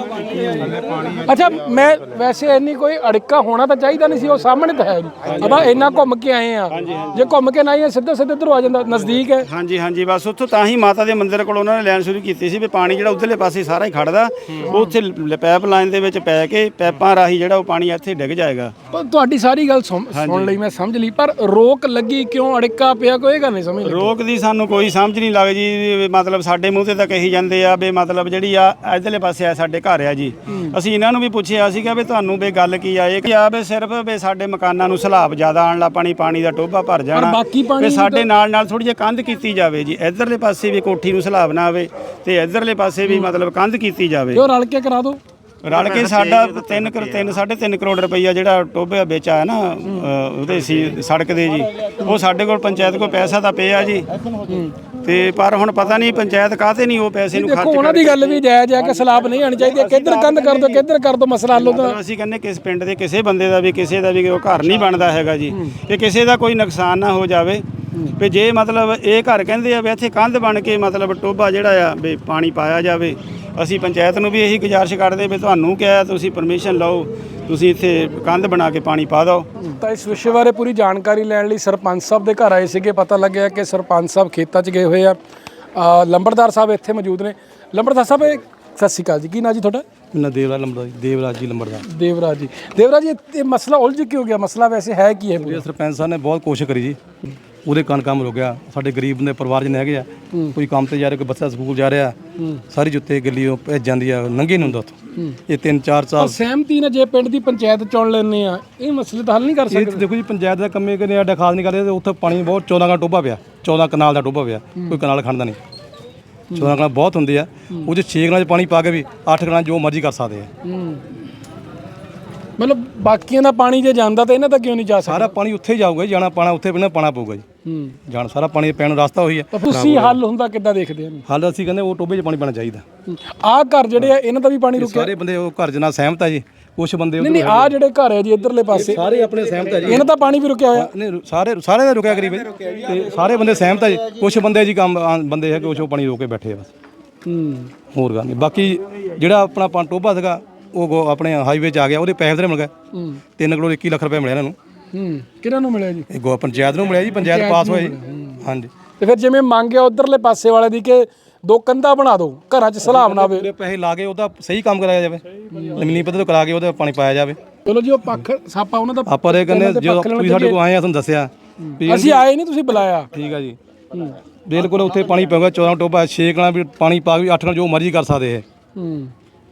ਅੱਛਾ, ਮੈਂ ਵੈਸੇ ਇੰਨੀ ਕੋਈ ਅੜਿੱਕਾ ਹੋਣਾ ਤਾਂ ਚਾਹੀਦਾ ਨਹੀਂ ਸੀ, ਉਹ ਸਾਹਮਣੇ ਤਾਂ ਹੈ ਜੀ। ਆਪਾਂ ਇੰਨਾ ਘੁੰਮ ਕੇ ਆਏ ਆ, ਜੇ ਘੁੰਮ ਕੇ ਨਾ ਆਏ ਸਿੱਧੇ ਸਿੱਧੇ ਇੱਧਰੋਂ ਆ ਜਾਂਦਾ, ਨਜ਼ਦੀਕ ਹੈ। ਹਾਂਜੀ ਹਾਂਜੀ, ਬਸ ਉੱਥੋਂ ਤਾਂ ਹੀ ਮਾਤਾ ਦੇ ਮੰਦਿਰ ਕੋਲ ਉਹਨਾਂ ਨੇ ਲਾਈਨ ਸ਼ੁਰੂ ਕੀਤੀ ਸੀ ਵੀ ਪਾਣੀ ਜਿਹੜਾ ਉਧਰਲੇ ਪਾਸੇ ਸਾਰਾ ਹੀ ਖੜਦਾ, ਉਹ ਉੱਥੇ ਪਾਈਪ ਲਾਈਨ ਦੇ ਵਿੱਚ ਪੈ ਕੇ ਪੈਪਾਂ ਰਾਹੀਂ ਜਿਹੜਾ ਉਹ ਪਾਣੀ ਇੱਥੇ ਡਿੱਗ ਜਾਏਗਾ। ਪਰ ਤੁਹਾਡੀ ਸਾਰੀ ਗੱਲ ਸੁਣ ਸੁਣ ਲਈ, ਮੈਂ ਸਮਝ ਲਈ, ਪਰ ਰੋਕ ਲੱਗੀ ਕਿਉਂ, ਅੜਿੱਕਾ ਪਿਆ, ਕੋਈ ਗੱਲ ਨਹੀਂ ਸਮਝ ਲੱਗੀ। ਰੋਕ ਦੀ ਸਾਨੂੰ ਕੋਈ ਸਮਝ ਨਹੀਂ ਲੱਗਦੀ ਜੀ। ਮਤਲਬ ਸਾਡੇ ਮੂੰਹ ਤੇ ਤਾਂ ਕਹੀ ਜਾਂਦੇ ਆ ਵੀ ਮਤਲਬ ਜਿਹੜੀ ਆ ਇਧਰਲੇ ਪਾਸੇ ਆ ਸਾਡੇ ਘਰ ਆ ਜੀ। ਅਸੀਂ ਇਹਨਾਂ ਨੂੰ ਵੀ ਪੁੱਛਿਆ ਸੀਗਾ ਵੀ ਤੁਹਾਨੂੰ ਵੀ ਗੱਲ ਕੀ ਆ, ਇਹ ਕਿ ਆ ਵੀ ਸਿਰਫ ਵੀ ਸਾਡੇ ਮਕਾਨਾਂ ਨੂੰ ਸਲਾਬ ਜ਼ਿਆਦਾ ਆਉਣ ਲੱਗ ਪਾਣੀ, ਪਾਣੀ ਦਾ ਟੋਭਾ ਭਰ ਜਾਣਾ, ਵੀ ਸਾਡੇ ਨਾਲ ਨਾਲ ਥੋੜੀ ਜਿਹੀ ਕੰਧ ਕੀਤੀ ਜਾਵੇ ਜੀ। ਇਧਰਲੇ ਪਾਸੇ ਵੀ ਕੋਠੀ ਨੂੰ ਸਲਾਬ ਨਾ ਆਵੇ ਤੇ ਇਧਰਲੇ ਪਾਸੇ ਵੀ ਮਤਲਬ ਕੰਧ ਕੀਤੀ ਜਾਵੇ। ਉਹ ਰਲ ਕੇ ਕਰਾ ਦਿਓ। ਰਲ ਕੇ ਸਾਡਾ ਤਿੰਨ ਤਿੰਨ ਸਾਢੇ ਤਿੰਨ ਕਰੋੜ ਰੁਪਈਆ ਜਿਹੜਾ ਟੋਭੇ ਵਿੱਚ ਆਇਆ ਨਾ ਉਹਦੇ ਸੀ ਸੜਕ ਦੇ ਜੀ, ਉਹ ਸਾਡੇ ਕੋਲ ਪੰਚਾਇਤ ਕੋਲ ਪੈਸਾ ਤਾਂ ਪਿਆ ਜੀ। ਤੇ ਪਰ ਹੁਣ ਪਤਾ ਨਹੀਂ ਪੰਚਾਇਤ ਕਾਹਤੇ ਨਹੀਂ ਉਹ ਪੈਸੇ ਨੂੰ ਖਰਚ। ਉਹਨਾਂ ਦੀ ਗੱਲ ਵੀ ਜਾਇਜ਼ ਹੈ ਕਿ ਸਲਾਬ ਨਹੀਂ ਆਣੀ ਚਾਹੀਦੀ, ਕਿੱਧਰ ਕੰਧ ਕਰ ਦੋ ਕਿੱਧਰ ਕਰ ਦੋ, ਮਸਲਾ ਹੱਲ ਹੁੰਦਾ। ਅਸੀਂ ਕਹਿੰਦੇ ਕਿਸ ਪਿੰਡ ਦੇ ਕਿਸੇ ਬੰਦੇ ਦਾ ਵੀ ਕਿਸੇ ਦਾ ਵੀ ਉਹ ਘਰ ਨਹੀਂ ਬਣਦਾ ਹੈਗਾ ਜੀ, ਕਿ ਕਿਸੇ ਦਾ ਕੋਈ ਨੁਕਸਾਨ ਨਾ ਹੋ ਜਾਵੇ। ਵੀ ਜੇ ਮਤਲਬ ਇਹ ਘਰ ਕਹਿੰਦੇ ਆ ਵੀ ਇੱਥੇ ਕੰਧ ਬਣ ਕੇ ਮਤਲਬ ਟੋਭਾ ਜਿਹੜਾ ਆ ਵੀ ਪਾਣੀ ਪਾਇਆ ਜਾਵੇ। ਅਸੀਂ ਪੰਚਾਇਤ ਨੂੰ ਵੀ ਇਹੀ ਗੁਜ਼ਾਰਿਸ਼ ਕਰਦੇ ਵੀ ਤੁਹਾਨੂੰ ਕਿਹਾ ਤੁਸੀਂ ਪਰਮਿਸ਼ਨ ਲਓ, ਤੁਸੀਂ ਇੱਥੇ ਕੰਧ ਬਣਾ ਕੇ ਪਾਣੀ ਪਾ ਦਿਓ। ਤਾਂ ਇਸ ਵਿਸ਼ੇ ਬਾਰੇ ਪੂਰੀ ਜਾਣਕਾਰੀ ਲੈਣ ਲਈ ਸਰਪੰਚ ਸਾਹਿਬ ਦੇ ਘਰ ਆਏ ਸੀਗੇ। ਪਤਾ ਲੱਗਿਆ ਕਿ ਸਰਪੰਚ ਸਾਹਿਬ ਖੇਤਾਂ 'ਚ ਗਏ ਹੋਏ ਆ। ਲੰਬੜਦਾਰ ਸਾਹਿਬ ਇੱਥੇ ਮੌਜੂਦ ਨੇ। ਲੰਬੜਦਾਰ ਸਾਹਿਬ ਸਤਿ ਸ਼੍ਰੀ ਅਕਾਲ ਜੀ, ਕੀ ਨਾਂ ਜੀ ਤੁਹਾਡਾ? ਮੇਰਾ ਦੇਵਰਾਜ ਲੰਬੜਦਾਰ, ਦੇਵਰਾਜ ਜੀ ਲੰਬੜਦਾਰ। ਦੇਵਰਾਜ ਜੀ, ਦੇਵਰਾਜ ਜੀ ਇਹ ਮਸਲਾ ਉਲਝ ਕਿਉਂ ਗਿਆ? ਮਸਲਾ ਵੈਸੇ ਹੈ ਕੀ ਹੈ? ਸਰਪੰਚ ਸਾਹਿਬ ਨੇ ਬਹੁਤ ਕੋਸ਼ਿਸ਼ ਕਰੀ ਜੀ, ਉਹਦੇ ਕੰਨ ਕੰਮ ਰੁਕਿਆ। ਸਾਡੇ ਗਰੀਬ ਦੇ ਪਰਿਵਾਰ ਜਿਹਨੇ ਹੈਗੇ ਆ, ਕੋਈ ਕੰਮ ਤੇ ਜਾ ਰਿਹਾ, ਕੋਈ ਬੱਚਾ ਸਕੂਲ ਜਾ ਰਿਹਾ, ਸਾਰੀ ਜੁੱਤੇ ਗੱਲੀ ਉਹ ਭੇਜ ਜਾਂਦੀ ਆ, ਨੰਗੇ ਨਹੀਂ ਹੁੰਦਾ ਉੱਥੋਂ। ਇਹ ਤਿੰਨ ਚਾਰ ਸਾਲ ਸਹਿਮਤੀ ਨਾਲ ਜੇ ਪਿੰਡ ਦੀ ਪੰਚਾਇਤ ਚੁਣ ਲੈਂਦੇ ਆ, ਇਹ ਮਸਲੇ ਤਾਂ ਹੱਲ ਨਹੀਂ ਕਰ ਸਕਦੇ। ਦੇਖੋ ਜੀ, ਪੰਚਾਇਤ ਦਾ ਕੰਮੇ ਕਿਨੇ ਆਡਾ ਖਾਸ ਨਹੀਂ ਕਰਦੇ ਤੇ ਉੱਥੇ ਪਾਣੀ ਬਹੁਤ ਚੌਦਾਂ ਕਨਾਲ ਟੋਭਾ ਪਿਆ, ਚੌਦਾਂ ਕਨਾਲ ਦਾ ਟੋਭਾ ਪਿਆ, ਕੋਈ ਕਨਾਲ ਖੜਦਾ ਨਹੀਂ। ਚੌਦਾਂ ਕਨਾਲ ਬਹੁਤ ਹੁੰਦੇ ਆ, ਉਹ 'ਚ ਛੇ ਕਨਾਲ 'ਚ ਪਾਣੀ ਪਾ ਕੇ ਵੀ ਅੱਠ ਕਨਾਲ ਜੋ ਮਰਜ਼ੀ ਕਰ ਸਕਦੇ ਆ। ਮਤਲਬ ਬਾਕੀਆਂ ਦਾ ਪਾਣੀ ਜੇ ਜਾਂਦਾ ਤਾਂ ਇਹਨਾਂ ਦਾ ਕਿਉਂ ਨਹੀਂ ਜਾ ਸਕਦਾ? ਸਾਰਾ ਪਾਣੀ ਉੱਥੇ ਜਾਊਗਾ, ਜਾਣਾ ਪਾਣਾ ਉੱਥੇ ਬਿਨਾਂ ਪਾਣਾ ਪਊਗਾ ਜੀ। ਜਾਣ ਸਾਰਾ ਪਾਣੀ ਪੈਣ ਦਾ ਰਸਤਾ ਉਹੀ ਹੈ। ਤੁਸੀਂ ਹੱਲ ਹੁੰਦਾ ਕਿੱਦਾਂ ਦੇਖਦੇ ਹੋ? ਹੱਲ ਅਸੀਂ ਕਹਿੰਦੇ ਉਹ ਟੋਭੇ 'ਚ ਪਾਣੀ ਪੈਣਾ ਚਾਹੀਦਾ। ਆਹ ਘਰ ਜਿਹੜੇ ਆ ਇਹਨਾਂ ਦਾ ਵੀ ਪਾਣੀ ਰੁਕਿਆ? ਸਾਰੇ ਬੰਦੇ ਉਹ ਘਰ ਜਨਾ ਸਹਿਮਤ ਆ ਜੀ, ਕੁਛ ਬੰਦੇ ਨਹੀਂ ਨਹੀਂ ਆਹ ਜਿਹੜੇ ਘਰ ਹੈ ਜੀ ਇਧਰਲੇ ਪਾਸੇ ਸਾਰੇ ਆਪਣੇ ਸਹਿਮਤ ਆ ਜੀ, ਇਹਨਾਂ ਦਾ ਪਾਣੀ ਵੀ ਰੁਕਿਆ ਹੋਇਆ? ਨਹੀਂ ਸਾਰੇ ਸਾਰੇ ਦਾ ਰੁਕਿਆ ਕਰੀਬ ਤੇ ਸਾਰੇ ਬੰਦੇ ਸਹਿਮਤ ਆ ਜੀ। ਕੁਛ ਬੰਦੇ ਜੀ ਕੰਮ ਬੰਦੇ ਹੈ ਕਿ ਉਹ ਪਾਣੀ ਰੋਕ ਕੇ ਬੈਠੇ ਆ ਬਸ, ਹੋਰ ਗੱਲ ਨਹੀਂ। ਬਾਕੀ ਜਿਹੜਾ ਆਪਣਾ ਪਾਣੀ ਟੋਭਾ ਸੀਗਾ ਉਹ ਆਪਣੇ ਹਾਈਵੇ 'ਚ ਆ ਗਿਆ, ਉਹਦੇ ਪੈਸੇ ਤੇ ਮਿਲ ਗਏ। ਤਿੰਨ ਕਰੋੜ ਇੱਕੀ ਲੱਖ ਰੁਪਏ ਮਿਲਿਆ ਇਹਨਾਂ ਨੂੰ। ਕਿਹਨਾਂ ਨੂੰ ਮਿਲਿਆ ਜੀ? ਇਹ ਗੋ ਪੰਚਾਇਤ ਨੂੰ ਮਿਲਿਆ ਜੀ, ਪੰਚਾਇਤ ਪਾਸ ਹੋਇਆ ਜੀ। ਹਾਂਜੀ, ਤੇ ਫਿਰ ਜਿਵੇਂ ਮੰਗਿਆ ਉਧਰਲੇ ਪਾਸੇ ਵਾਲੇ ਦੀ ਕਿ ਦੋ ਕੰਧਾਂ ਬਣਾ ਦਿਓ ਘਰਾਂ 'ਚ ਸਲਾਬ ਨਾ ਆਵੇ, ਪੂਰੇ ਪੈਸੇ ਲਾ ਕੇ ਉਹਦਾ ਸਹੀ ਕੰਮ ਕਰਾਇਆ ਜਾਵੇ, ਜ਼ਮੀਨੀ ਪੱਧਰ ਤੋਂ ਕਰਾ ਕੇ ਉਹਦਾ ਪਾਣੀ ਪਾਇਆ ਜਾਵੇ। ਚਲੋ ਜੀ ਉਹ ਪੱਖ ਸਾਪਾ ਉਹਨਾਂ ਦਾ ਆਪਾਂ ਇਹ ਕਹਿੰਦੇ ਜਦੋਂ ਤੁਸੀਂ ਸਾਡੇ ਕੋਲ ਆਏ ਆ ਤੁਹਾਨੂੰ ਦੱਸਿਆ ਵੀ ਅਸੀਂ ਆਏ ਨਹੀਂ, ਤੁਸੀਂ ਬੁਲਾਇਆ। ਠੀਕ ਆ ਜੀ, ਬਿਲਕੁਲ ਉੱਥੇ ਪਾਣੀ ਪਊਗਾ ਚੌਦਾਂ ਟੋਬਾ ਛੇ ਕਣਾ ਵੀ ਪਾਣੀ ਪਾ ਕੇ ਅੱਠ ਕਣਾ ਜੋ ਮਰਜ਼ੀ ਕਰ ਸਕਦੇ ਇਹ। ਹੂੰ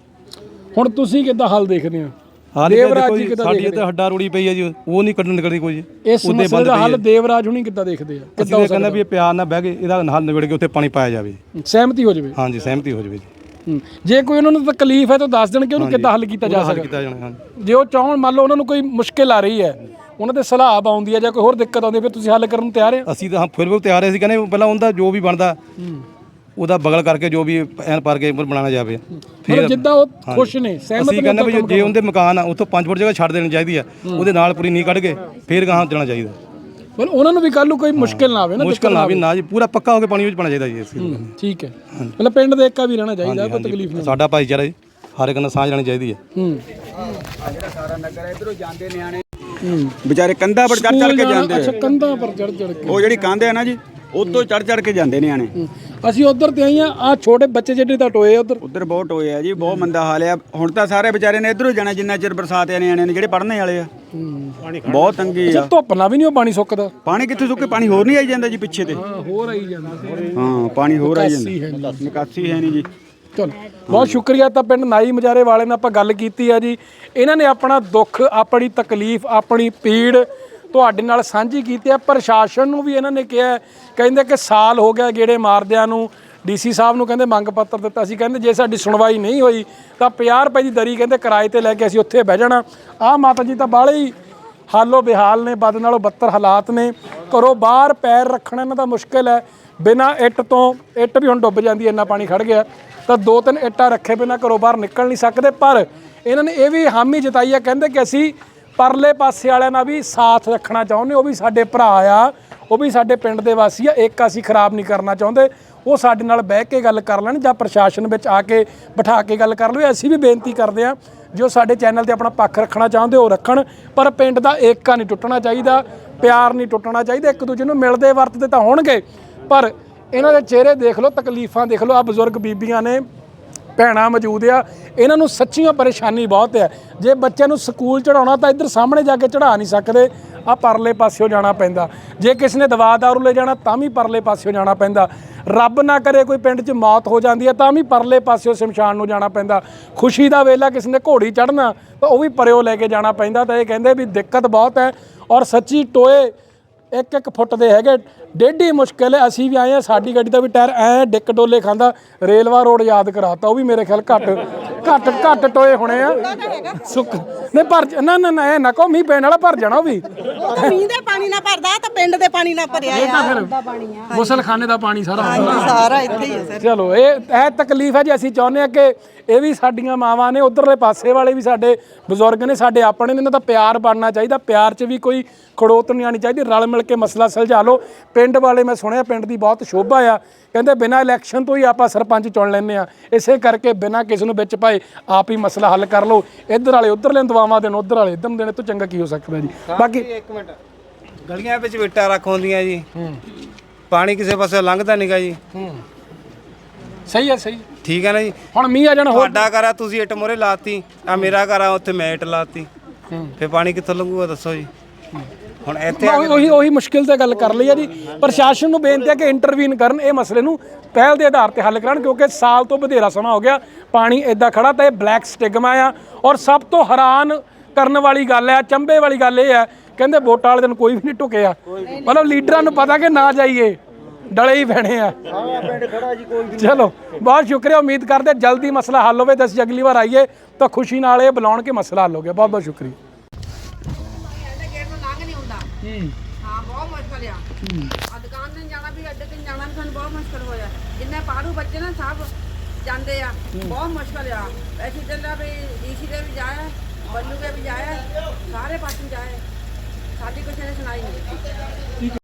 ਹੁਣ ਤੁਸੀਂ ਕਿੱਦਾਂ ਹੱਲ ਦੇਖਦੇ ਹੋ? ਹਾਲ ਦੇਵਰਾਜ ਦੇਖੋ ਜੀ ਜੀ ਕਿੱਦਾਂ ਸਾਡੀ ਦੇਖਦੇ ਇੱਥੇ ਹੱਡਾ ਰੋੜੀ ਪਈ ਹੈ ਜੀ, ਉਹ ਨਹੀਂ ਕੱਢਣ ਨਿਕਲਦੀ ਕੋਈ ਜੀ। ਇਸ ਮਸਲੇ ਦਾ ਹੱਲ ਦੇਵਰਾਜ ਹੁਣੀ ਕਿੱਦਾਂ ਦੇਖਦੇ ਆ? ਕਿੱਦਾਂ ਹੋ ਸਕਦਾ ਵੀ ਇਹ ਪਿਆਰ ਨਾਲ ਬਹਿ ਕੇ ਇਹਦਾ ਹੱਲ ਨਿਬੜ ਕੇ ਉੱਥੇ ਪਾਣੀ ਪਾਇਆ ਜਾਵੇ, ਸਹਿਮਤੀ ਹੋ ਜਾਵੇ। ਹਾਂਜੀ ਸਹਿਮਤੀ ਹੋ ਜਾਵੇ ਜੀ। ਹੂੰ ਜੇ ਕੋਈ ਉਹਨਾਂ ਨੂੰ ਤਕਲੀਫ ਹੈ ਤਾਂ ਦੱਸ ਦੇਣ ਕਿ ਉਹਨੂੰ ਕਿੱਦਾਂ ਹੱਲ ਕੀਤਾ ਜਾ ਹੱਲ ਸਕਦਾ। ਕੀਤਾ ਜਾਣਾ ਹਾਂਜੀ। ਜੇ ਉਹ ਚਾਹਣ ਮੰਨ ਲਓ ਉਹਨਾਂ ਨੂੰ ਕੋਈ ਮੁਸ਼ਕਿਲ ਆ ਰਹੀ ਹੈ, ਉਹਨਾਂ ਦੇ ਸਲਾਬ ਆਉਂਦੀ ਹੈ ਜਾਂ ਕੋਈ ਹੋਰ ਦਿੱਕਤ ਆਉਂਦੀ ਹੈ, ਫਿਰ ਤੁਸੀਂ ਹੱਲ ਕਰਨ ਨੂੰ ਤਿਆਰ ਹੋ? ਅਸੀਂ ਤਾਂ ਫਿਰ ਵੀ ਤਿਆਰ ਸੀ, ਕਹਿੰਦੇ ਪਹਿਲਾਂ ਉਹਦਾ ਜੋ ਵੀ ਬਣਦਾ ਉਹਦਾ ਬਗਲ ਕਰਕੇ ਜੋ ਵੀ ਐਨ ਪਰ ਕੇ ਬਣਾਉਣਾ ਜਾਵੇ। ਫਿਰ ਜਿੱਦਾਂ ਉਹ ਖੁਸ਼ ਨੇ ਸਹਿਮਤ ਨੇ, ਅਸੀਂ ਕਹਿੰਦੇ ਵੀ ਜੇ ਉਹਦੇ ਮਕਾਨ ਆ ਉੱਥੋਂ ਪੰਜ ਫੁੱਟ ਜਗ੍ਹਾ ਛੱਡ ਦੇਣੀ ਚਾਹੀਦੀ ਆ, ਉਹਦੇ ਨਾਲ ਪੂਰੀ ਨੀਂਹ ਕੱਢ ਕੇ ਫਿਰ ਗਾਹਾਂ ਜਾਣਾ ਚਾਹੀਦਾ। ਪਰ ਉਹਨਾਂ ਨੂੰ ਵੀ ਕੱਲ ਨੂੰ ਕੋਈ ਮੁਸ਼ਕਿਲ ਨਾ ਆਵੇ ਨਾ, ਮੁਸ਼ਕਿਲ ਨਾ ਆਵੇ ਨਾ ਜੀ, ਪੂਰਾ ਪੱਕਾ ਹੋ ਕੇ ਪਾਣੀ ਵਿੱਚ ਪਾਣਾ ਚਾਹੀਦਾ ਜੀ ਇਸ ਚੀਜ਼ ਨੂੰ। ਠੀਕ ਹੈ, ਮਤਲਬ ਪਿੰਡ ਦੇ ਏਕਾ ਵੀ ਰਹਿਣਾ ਚਾਹੀਦਾ, ਕੋਈ ਤਕਲੀਫ ਨਹੀਂ। ਸਾਡਾ ਭਾਈਚਾਰਾ ਜੀ ਹਰ ਇੱਕ ਨਾਲ ਸਾਂਝ ਲੈਣੀ ਚਾਹੀਦੀ ਹੈ। ਹੂੰ ਜਿਹੜਾ ਸਾਰਾ ਨਗਰ ਇਧਰੋਂ ਜਾਂਦੇ ਨਿਆਣੇ ਵਿਚਾਰੇ ਕੰਧਾਂ ਪਰ ਚੜ ਚੜ ਕੇ ਜਾਂਦੇ ਅੱਛਾ ਕੰਧਾਂ ਪਰ ਚੜ ਚੜ ਕੇ, ਉਹ ਜਿਹੜੀ ਕੰਧ ਹੈ ਨਾ ਜੀ ਉਤੋਂ ਚੜ ਚੜ ਕੇ ਜਾਂਦੇ ਨਿਆਣੇ। ਅਸੀਂ ਉਧਰ ਤੇ ਆਈਆਂ ਆ ਛੋਟੇ ਬੱਚੇ ਜਿਹੜੇ ਤਾਂ ਟੋਏ ਉਧਰ ਉਧਰ ਬਹੁਤ ਹੋਏ ਆ ਜੀ, ਬਹੁਤ ਮੰਦਾ ਹਾਲ ਆ। ਹੁਣ ਤਾਂ ਸਾਰੇ ਵਿਚਾਰੇ ਨੇ ਇਧਰੋਂ ਜਾਣਾ ਜਿੰਨਾ ਚਿਰ ਬਰਸਾਤ ਆ ਨਿਆਣੇ ਨੇ ਜਿਹੜੇ ਪੜ੍ਹਨੇ ਵਾਲੇ ਆ, ਬਹੁਤ ਤੰਗੀ ਆ। ਧੁੱਪ ਨਾਲ ਵੀ ਨਹੀਂ ਉਹ ਪਾਣੀ ਸੁੱਕਦਾ। ਪਾਣੀ ਕਿੱਥੇ ਸੁੱਕੇ, ਪਾਣੀ ਹੋਰ ਨਹੀਂ ਆਈ ਜਾਂਦਾ ਜੀ ਪਿੱਛੇ ਤੇ। ਹਾਂ ਹੋਰ ਆਈ ਜਾਂਦਾ, ਹਾਂ ਪਾਣੀ ਹੋਰ ਆਈ ਜਾਂਦਾ, ਨਿਕਾਸੀ ਨਿਕਾਸੀ ਹੈ ਨਹੀਂ ਜੀ। ਚਲੋ ਬਹੁਤ ਸ਼ੁਕਰੀਆ। ਤਾਂ ਪਿੰਡ ਨਾਈ ਮਜਾਰੇ ਵਾਲੇ ਨਾਲ ਆਪਾਂ ਗੱਲ ਕੀਤੀ ਆ ਜੀ, ਇਹਨਾਂ ਨੇ ਆਪਣਾ ਦੁੱਖ, ਆਪਣੀ ਤਕਲੀਫ, ਆਪਣੀ ਪੀੜ ਤੁਹਾਡੇ ਨਾਲ ਸਾਂਝੀ ਕੀਤੀ ਹੈ। ਪ੍ਰਸ਼ਾਸਨ ਨੂੰ ਵੀ ਇਹਨਾਂ ਨੇ ਕਿਹਾ, ਕਹਿੰਦੇ ਕਿ ਸਾਲ ਹੋ ਗਿਆ ਗੇੜੇ ਮਾਰਦਿਆਂ ਨੂੰ, ਡੀਸੀ ਸਾਹਿਬ ਨੂੰ ਕਹਿੰਦੇ ਮੰਗ ਪੱਤਰ ਦਿੱਤਾ ਸੀ, ਕਹਿੰਦੇ ਜੇ ਸਾਡੀ ਸੁਣਵਾਈ ਨਹੀਂ ਹੋਈ ਤਾਂ ਪੰਜਾਹ ਰੁਪਏ ਦੀ ਦਰੀ ਕਹਿੰਦੇ ਕਿਰਾਏ ਤੇ ਲੈ ਕੇ ਅਸੀਂ ਉੱਥੇ ਬਹਿ ਜਾਣਾ। ਆਹ ਮਾਤਾ ਜੀ ਤਾਂ ਬਾਹਲੇ ਹੀ ਹਾਲੋ ਬਿਹਾਲ ਨੇ, ਬਦ ਨਾਲੋਂ ਬੱਤਰ ਹਾਲਾਤ ਨੇ, ਘਰੋਂ ਬਾਹਰ ਪੈਰ ਰੱਖਣਾ ਇਹਨਾਂ ਦਾ ਮੁਸ਼ਕਿਲ ਹੈ। ਬਿਨਾਂ ਇੱਟ ਤੋਂ, ਇੱਟ ਵੀ ਹੁਣ ਡੁੱਬ ਜਾਂਦੀ, ਇੰਨਾ ਪਾਣੀ ਖੜ ਗਿਆ, ਤਾਂ ਦੋ ਤਿੰਨ ਇੱਟਾਂ ਰੱਖੇ ਬਿਨਾਂ ਘਰੋਂ ਬਾਹਰ ਨਿਕਲ ਨਹੀਂ ਸਕਦੇ। ਪਰ ਇਹਨਾਂ ਨੇ ਇਹ ਵੀ ਹਾਮੀ ਜਤਾਈ ਹੈ, ਕਹਿੰਦੇ ਕਿ ਅਸੀਂ ਪਰਲੇ ਪਾਸੇ ਵਾਲਿਆਂ ਨਾਲ ਵੀ ਸਾਥ ਰੱਖਣਾ ਚਾਹੁੰਦੇ, ਉਹ ਵੀ ਸਾਡੇ ਭਰਾ ਆ, ਉਹ ਵੀ ਸਾਡੇ ਪਿੰਡ ਦੇ ਵਾਸੀ ਆ, ਇੱਕ ਅਸੀਂ ਖਰਾਬ ਨਹੀਂ ਕਰਨਾ ਚਾਹੁੰਦੇ, ਉਹ ਸਾਡੇ ਨਾਲ ਬਹਿ ਕੇ ਗੱਲ ਕਰ ਲੈਣ ਜਾਂ ਪ੍ਰਸ਼ਾਸਨ ਵਿੱਚ ਆ ਕੇ ਬਿਠਾ ਕੇ ਗੱਲ ਕਰ ਲਵੇ। ਅਸੀਂ ਵੀ ਬੇਨਤੀ ਕਰਦੇ ਹਾਂ ਜੋ ਸਾਡੇ ਚੈਨਲ ਤੇ ਆਪਣਾ ਪੱਖ ਰੱਖਣਾ ਚਾਹੁੰਦੇ ਉਹ ਰੱਖਣ, ਪਰ ਪਿੰਡ ਦਾ ਏਕਾ ਨਹੀਂ ਟੁੱਟਣਾ ਚਾਹੀਦਾ, ਪਿਆਰ ਨਹੀਂ ਟੁੱਟਣਾ ਚਾਹੀਦਾ। ਇੱਕ ਦੂਜੇ ਨੂੰ ਮਿਲਦੇ ਵਰਤਦੇ ਤਾਂ ਹੋਣਗੇ, ਪਰ ਇਹਨਾਂ ਦੇ ਚਿਹਰੇ ਦੇਖ ਲਓ, ਤਕਲੀਫਾਂ ਦੇਖ ਲਓ। ਆ ਬਜ਼ੁਰਗ ਬੀਬੀਆਂ ਨੇ, ਭੈਣਾਂ ਮੌਜੂਦ ਆ, ਇਹਨਾਂ ਨੂੰ ਸੱਚੀਆਂ ਪਰੇਸ਼ਾਨੀ ਬਹੁਤ ਹੈ। ਜੇ ਬੱਚਿਆਂ ਨੂੰ ਸਕੂਲ ਚੜਾਉਣਾ ਤਾਂ ਇੱਧਰ ਸਾਹਮਣੇ ਜਾ ਕੇ ਚੜਾ ਨਹੀਂ ਸਕਦੇ, ਆ ਪਰਲੇ ਪਾਸਿਓਂ ਜਾਣਾ ਪੈਂਦਾ। ਜੇ ਕਿਸੇ ਨੇ ਦਵਾ ਦਾਰੂ ਲੈ ਜਾਣਾ ਤਾਂ ਵੀ ਪਰਲੇ ਪਾਸਿਓਂ ਜਾਣਾ ਪੈਂਦਾ। ਰੱਬ ਨਾ ਕਰੇ ਕੋਈ ਪਿੰਡ 'ਚ ਮੌਤ ਹੋ ਜਾਂਦੀ ਹੈ ਤਾਂ ਵੀ ਪਰਲੇ ਪਾਸਿਓਂ ਸ਼ਮਸ਼ਾਨ ਨੂੰ ਜਾਣਾ ਪੈਂਦਾ। ਖੁਸ਼ੀ ਦਾ ਵੇਲਾ ਕਿਸੇ ਨੇ ਘੋੜੀ ਚੜ੍ਹਨਾ ਤਾਂ ਉਹ ਵੀ ਪਰਿਓ ਲੈ ਕੇ ਜਾਣਾ ਪੈਂਦਾ। ਤਾਂ ਇਹ ਕਹਿੰਦੇ ਵੀ ਦਿੱਕਤ ਬਹੁਤ ਹੈ, ਔਰ ਸੱਚੀ ਟੋਏ ਇੱਕ ਇੱਕ ਫੁੱਟ ਦੇ ਹੈਗੇ, ਡੇਢੀ ਮੁਸ਼ਕਿਲ ਹੈ। ਅਸੀਂ ਵੀ ਆਏ ਹਾਂ, ਸਾਡੀ ਗੱਡੀ ਦਾ ਵੀ ਟਾਇਰ ਐ ਡਿੱਕ ਡੋਲੇ ਖਾਂਦਾ। ਰੇਲਵਾ ਰੋਡ ਯਾਦ ਕਰਾਤਾ, ਉਹ ਵੀ ਮੇਰੇ ਖਿਆਲ ਘੱਟ ਘੱਟ ਘੱਟ ਟੋਏ ਹੋਣੇ ਆ। ਸੁੱਕ ਨਹੀਂ ਭਰ, ਨਾ ਨਾ ਨਾ ਇਹ ਨਾ ਕਹੋ ਮੀਂਹ ਪੈਣ ਵਾਲਾ ਭਰ ਜਾਣਾ। ਉਹ ਵੀ ਮੀਂਹ ਦੇ ਪਾਣੀ ਨਾਲ ਭਰਦਾ ਤਾਂ ਪਿੰਡ ਦੇ ਪਾਣੀ ਨਾਲ ਭਰਿਆ ਆ। ਗੁਸਲਖਾਨੇ ਦਾ ਪਾਣੀ ਸਾਰਾ ਸਾਰਾ ਇੱਥੇ ਹੀ ਹੈ ਸਰ। ਚਲੋ ਇਹ ਇਹ ਤਕਲੀਫ ਹੈ ਜੀ। ਅਸੀਂ ਚਾਹੁੰਦੇ ਹਾਂ ਕਿ ਇਹ ਵੀ ਸਾਡੀਆਂ ਮਾਵਾਂ ਨੇ, ਉਧਰਲੇ ਪਾਸੇ ਵਾਲੇ ਵੀ ਸਾਡੇ ਬਜ਼ੁਰਗ ਨੇ, ਸਾਡੇ ਆਪਣੇ ਨੇ, ਇਹਨਾਂ ਦਾ ਪਿਆਰ ਬਣਨਾ ਚਾਹੀਦਾ। ਪਿਆਰ 'ਚ ਵੀ ਕੋਈ ਖੜੋਤ ਨਹੀਂ ਆਉਣੀ ਚਾਹੀਦੀ, ਰਲ ਮਿਲ ਕੇ ਮਸਲਾ ਸੁਲਝਾ ਲਓ। ਪਿੰਡ ਵਾਲੇ, ਮੈਂ ਸੁਣਿਆ ਪਿੰਡ ਦੀ ਬਹੁਤ ਸ਼ੋਭਾ ਆ, ਕਹਿੰਦੇ ਬਿਨਾਂ ਇਲੈਕਸ਼ਨ ਤੋਂ ਹੀ ਆਪਾਂ ਸਰਪੰਚ ਚੁਣ ਲੈਂਦੇ ਆ, ਇਸੇ ਕਰਕੇ ਬਿਨਾਂ ਕਿਸੇ ਨੂੰ ਵਿੱਚ ਪਾਏ ਆਪ ਹੀ ਮਸਲਾ ਹੱਲ ਕਰ ਲਓ। ਇੱਧਰ ਵਾਲੇ ਉੱਧਰਲੇ ਦਵਾਵਾਂ ਦੇਣ, ਉੱਧਰ ਵਾਲੇ ਇੱਧਰ ਦੇਣ, ਤੋਂ ਚੰਗਾ ਕੀ ਹੋ ਸਕਦਾ ਜੀ। ਬਾਕੀ ਇੱਕ ਮਿੰਟ, ਗਲੀਆਂ ਵਿੱਚ ਵਿਟਾ ਰੱਖ ਹੁੰਦੀਆਂ ਜੀ, ਪਾਣੀ ਕਿਸੇ ਪਾਸੇ ਲੰਘਦਾ ਨਹੀਂਗਾ ਜੀ। ਸਹੀ ਹੈ, ਸਹੀ ਠੀਕ ਹੈ ਨਾ ਜੀ। ਹੁਣ ਮੀਂਹ ਆ ਜਾਣਾ, ਹੋਰ ਤੁਹਾਡਾ ਘਰ ਆ, ਤੁਸੀਂ ਇੱਟ ਮੋਰੇ ਲਾਤੀ, ਆ ਮੇਰਾ ਘਰ ਆ, ਉੱਥੇ ਮੈਂ ਇੱਟ ਲਾਤੀ, ਫਿਰ ਪਾਣੀ ਕਿੱਥੋਂ ਲੰਘੂਗਾ ਦੱਸੋ ਜੀ। ਹੁਣ ਇੱਥੇ ਉਹੀ ਉਹੀ ਮੁਸ਼ਕਿਲ ਤੇ ਗੱਲ ਕਰ ਲਈ ਆ ਜੀ। ਪ੍ਰਸ਼ਾਸਨ ਨੂੰ ਬੇਨਤੀ ਹੈ ਕਿ ਇੰਟਰਵੀਨ ਕਰਨ, ਇਹ ਮਸਲੇ ਨੂੰ ਪਹਿਲ ਦੇ ਆਧਾਰ ਤੇ ਹੱਲ ਕਰਨ, ਕਿਉਂਕਿ ਸਾਲ ਤੋਂ ਵਧੇਰਾ ਸਮਾਂ ਹੋ ਗਿਆ ਪਾਣੀ ਇਦਾਂ ਖੜਾ। ਤਾਂ ਇਹ ਬਲੈਕ ਸਟਿਗਮਾ ਆ। ਔਰ ਸਭ ਤੋਂ ਹੈਰਾਨ ਕਰਨ ਵਾਲੀ ਗੱਲ ਹੈ, ਚੰਬੇ ਵਾਲੀ ਗੱਲ ਇਹ ਹੈ, ਕਹਿੰਦੇ ਵੋਟਾਂ ਵਾਲੇ ਦਿਨ ਕੋਈ ਵੀ ਨਹੀਂ ਢੁਕਿਆ। ਮਤਲਬ ਲੀਡਰਾਂ ਨੂੰ ਪਤਾ ਕਿ ਨਾ ਜਾਈਏ, ਡਲੇ ਹੀ ਪੈਣੇ ਆ। ਚਲੋ ਬਹੁਤ ਸ਼ੁਕਰੀਆ, ਉਮੀਦ ਕਰਦੇ ਜਲਦੀ ਮਸਲਾ ਹੱਲ ਹੋਵੇ ਤੇ ਅਸੀਂ ਅਗਲੀ ਵਾਰ ਆਈਏ ਤਾਂ ਖੁਸ਼ੀ ਨਾਲ ਇਹ ਬੁਲਾਉਣ ਕੇ ਮਸਲਾ ਹੱਲ ਹੋ ਗਿਆ। ਬਹੁਤ ਬਹੁਤ ਸ਼ੁਕਰੀਆ। ਹਾਂ ਬਹੁਤ ਮੁਸ਼ਕਲ ਆ। ਆ ਦੁਕਾਨ ਤੇ ਜਾਣਾ ਵੀ, ਅੱਡੇ ਤੇ ਜਾਣਾ ਵੀ ਸਾਨੂੰ ਬਹੁਤ ਮੁਸ਼ਕਲ ਹੋਇਆ। ਜਿੰਨੇ ਪਾੜੂ ਬੱਚੇ ਨਾ ਸਭ ਜਾਂਦੇ ਆ, ਬਹੁਤ ਮੁਸ਼ਕਲ ਆ। ਅਸੀਂ ਚੱਲਿਆ ਵੀ ਡੀਸੀ ਦੇ ਵੀ ਜਾਇਆ, ਬੱਲੂ ਦੇ ਵੀ ਜਾਇਆ, ਸਾਰੇ ਪਾਸੇ ਜਾਏ, ਸਾਡੀ ਕਿਸੇ ਨੇ ਸੁਣਾਈ ਨਹੀਂ।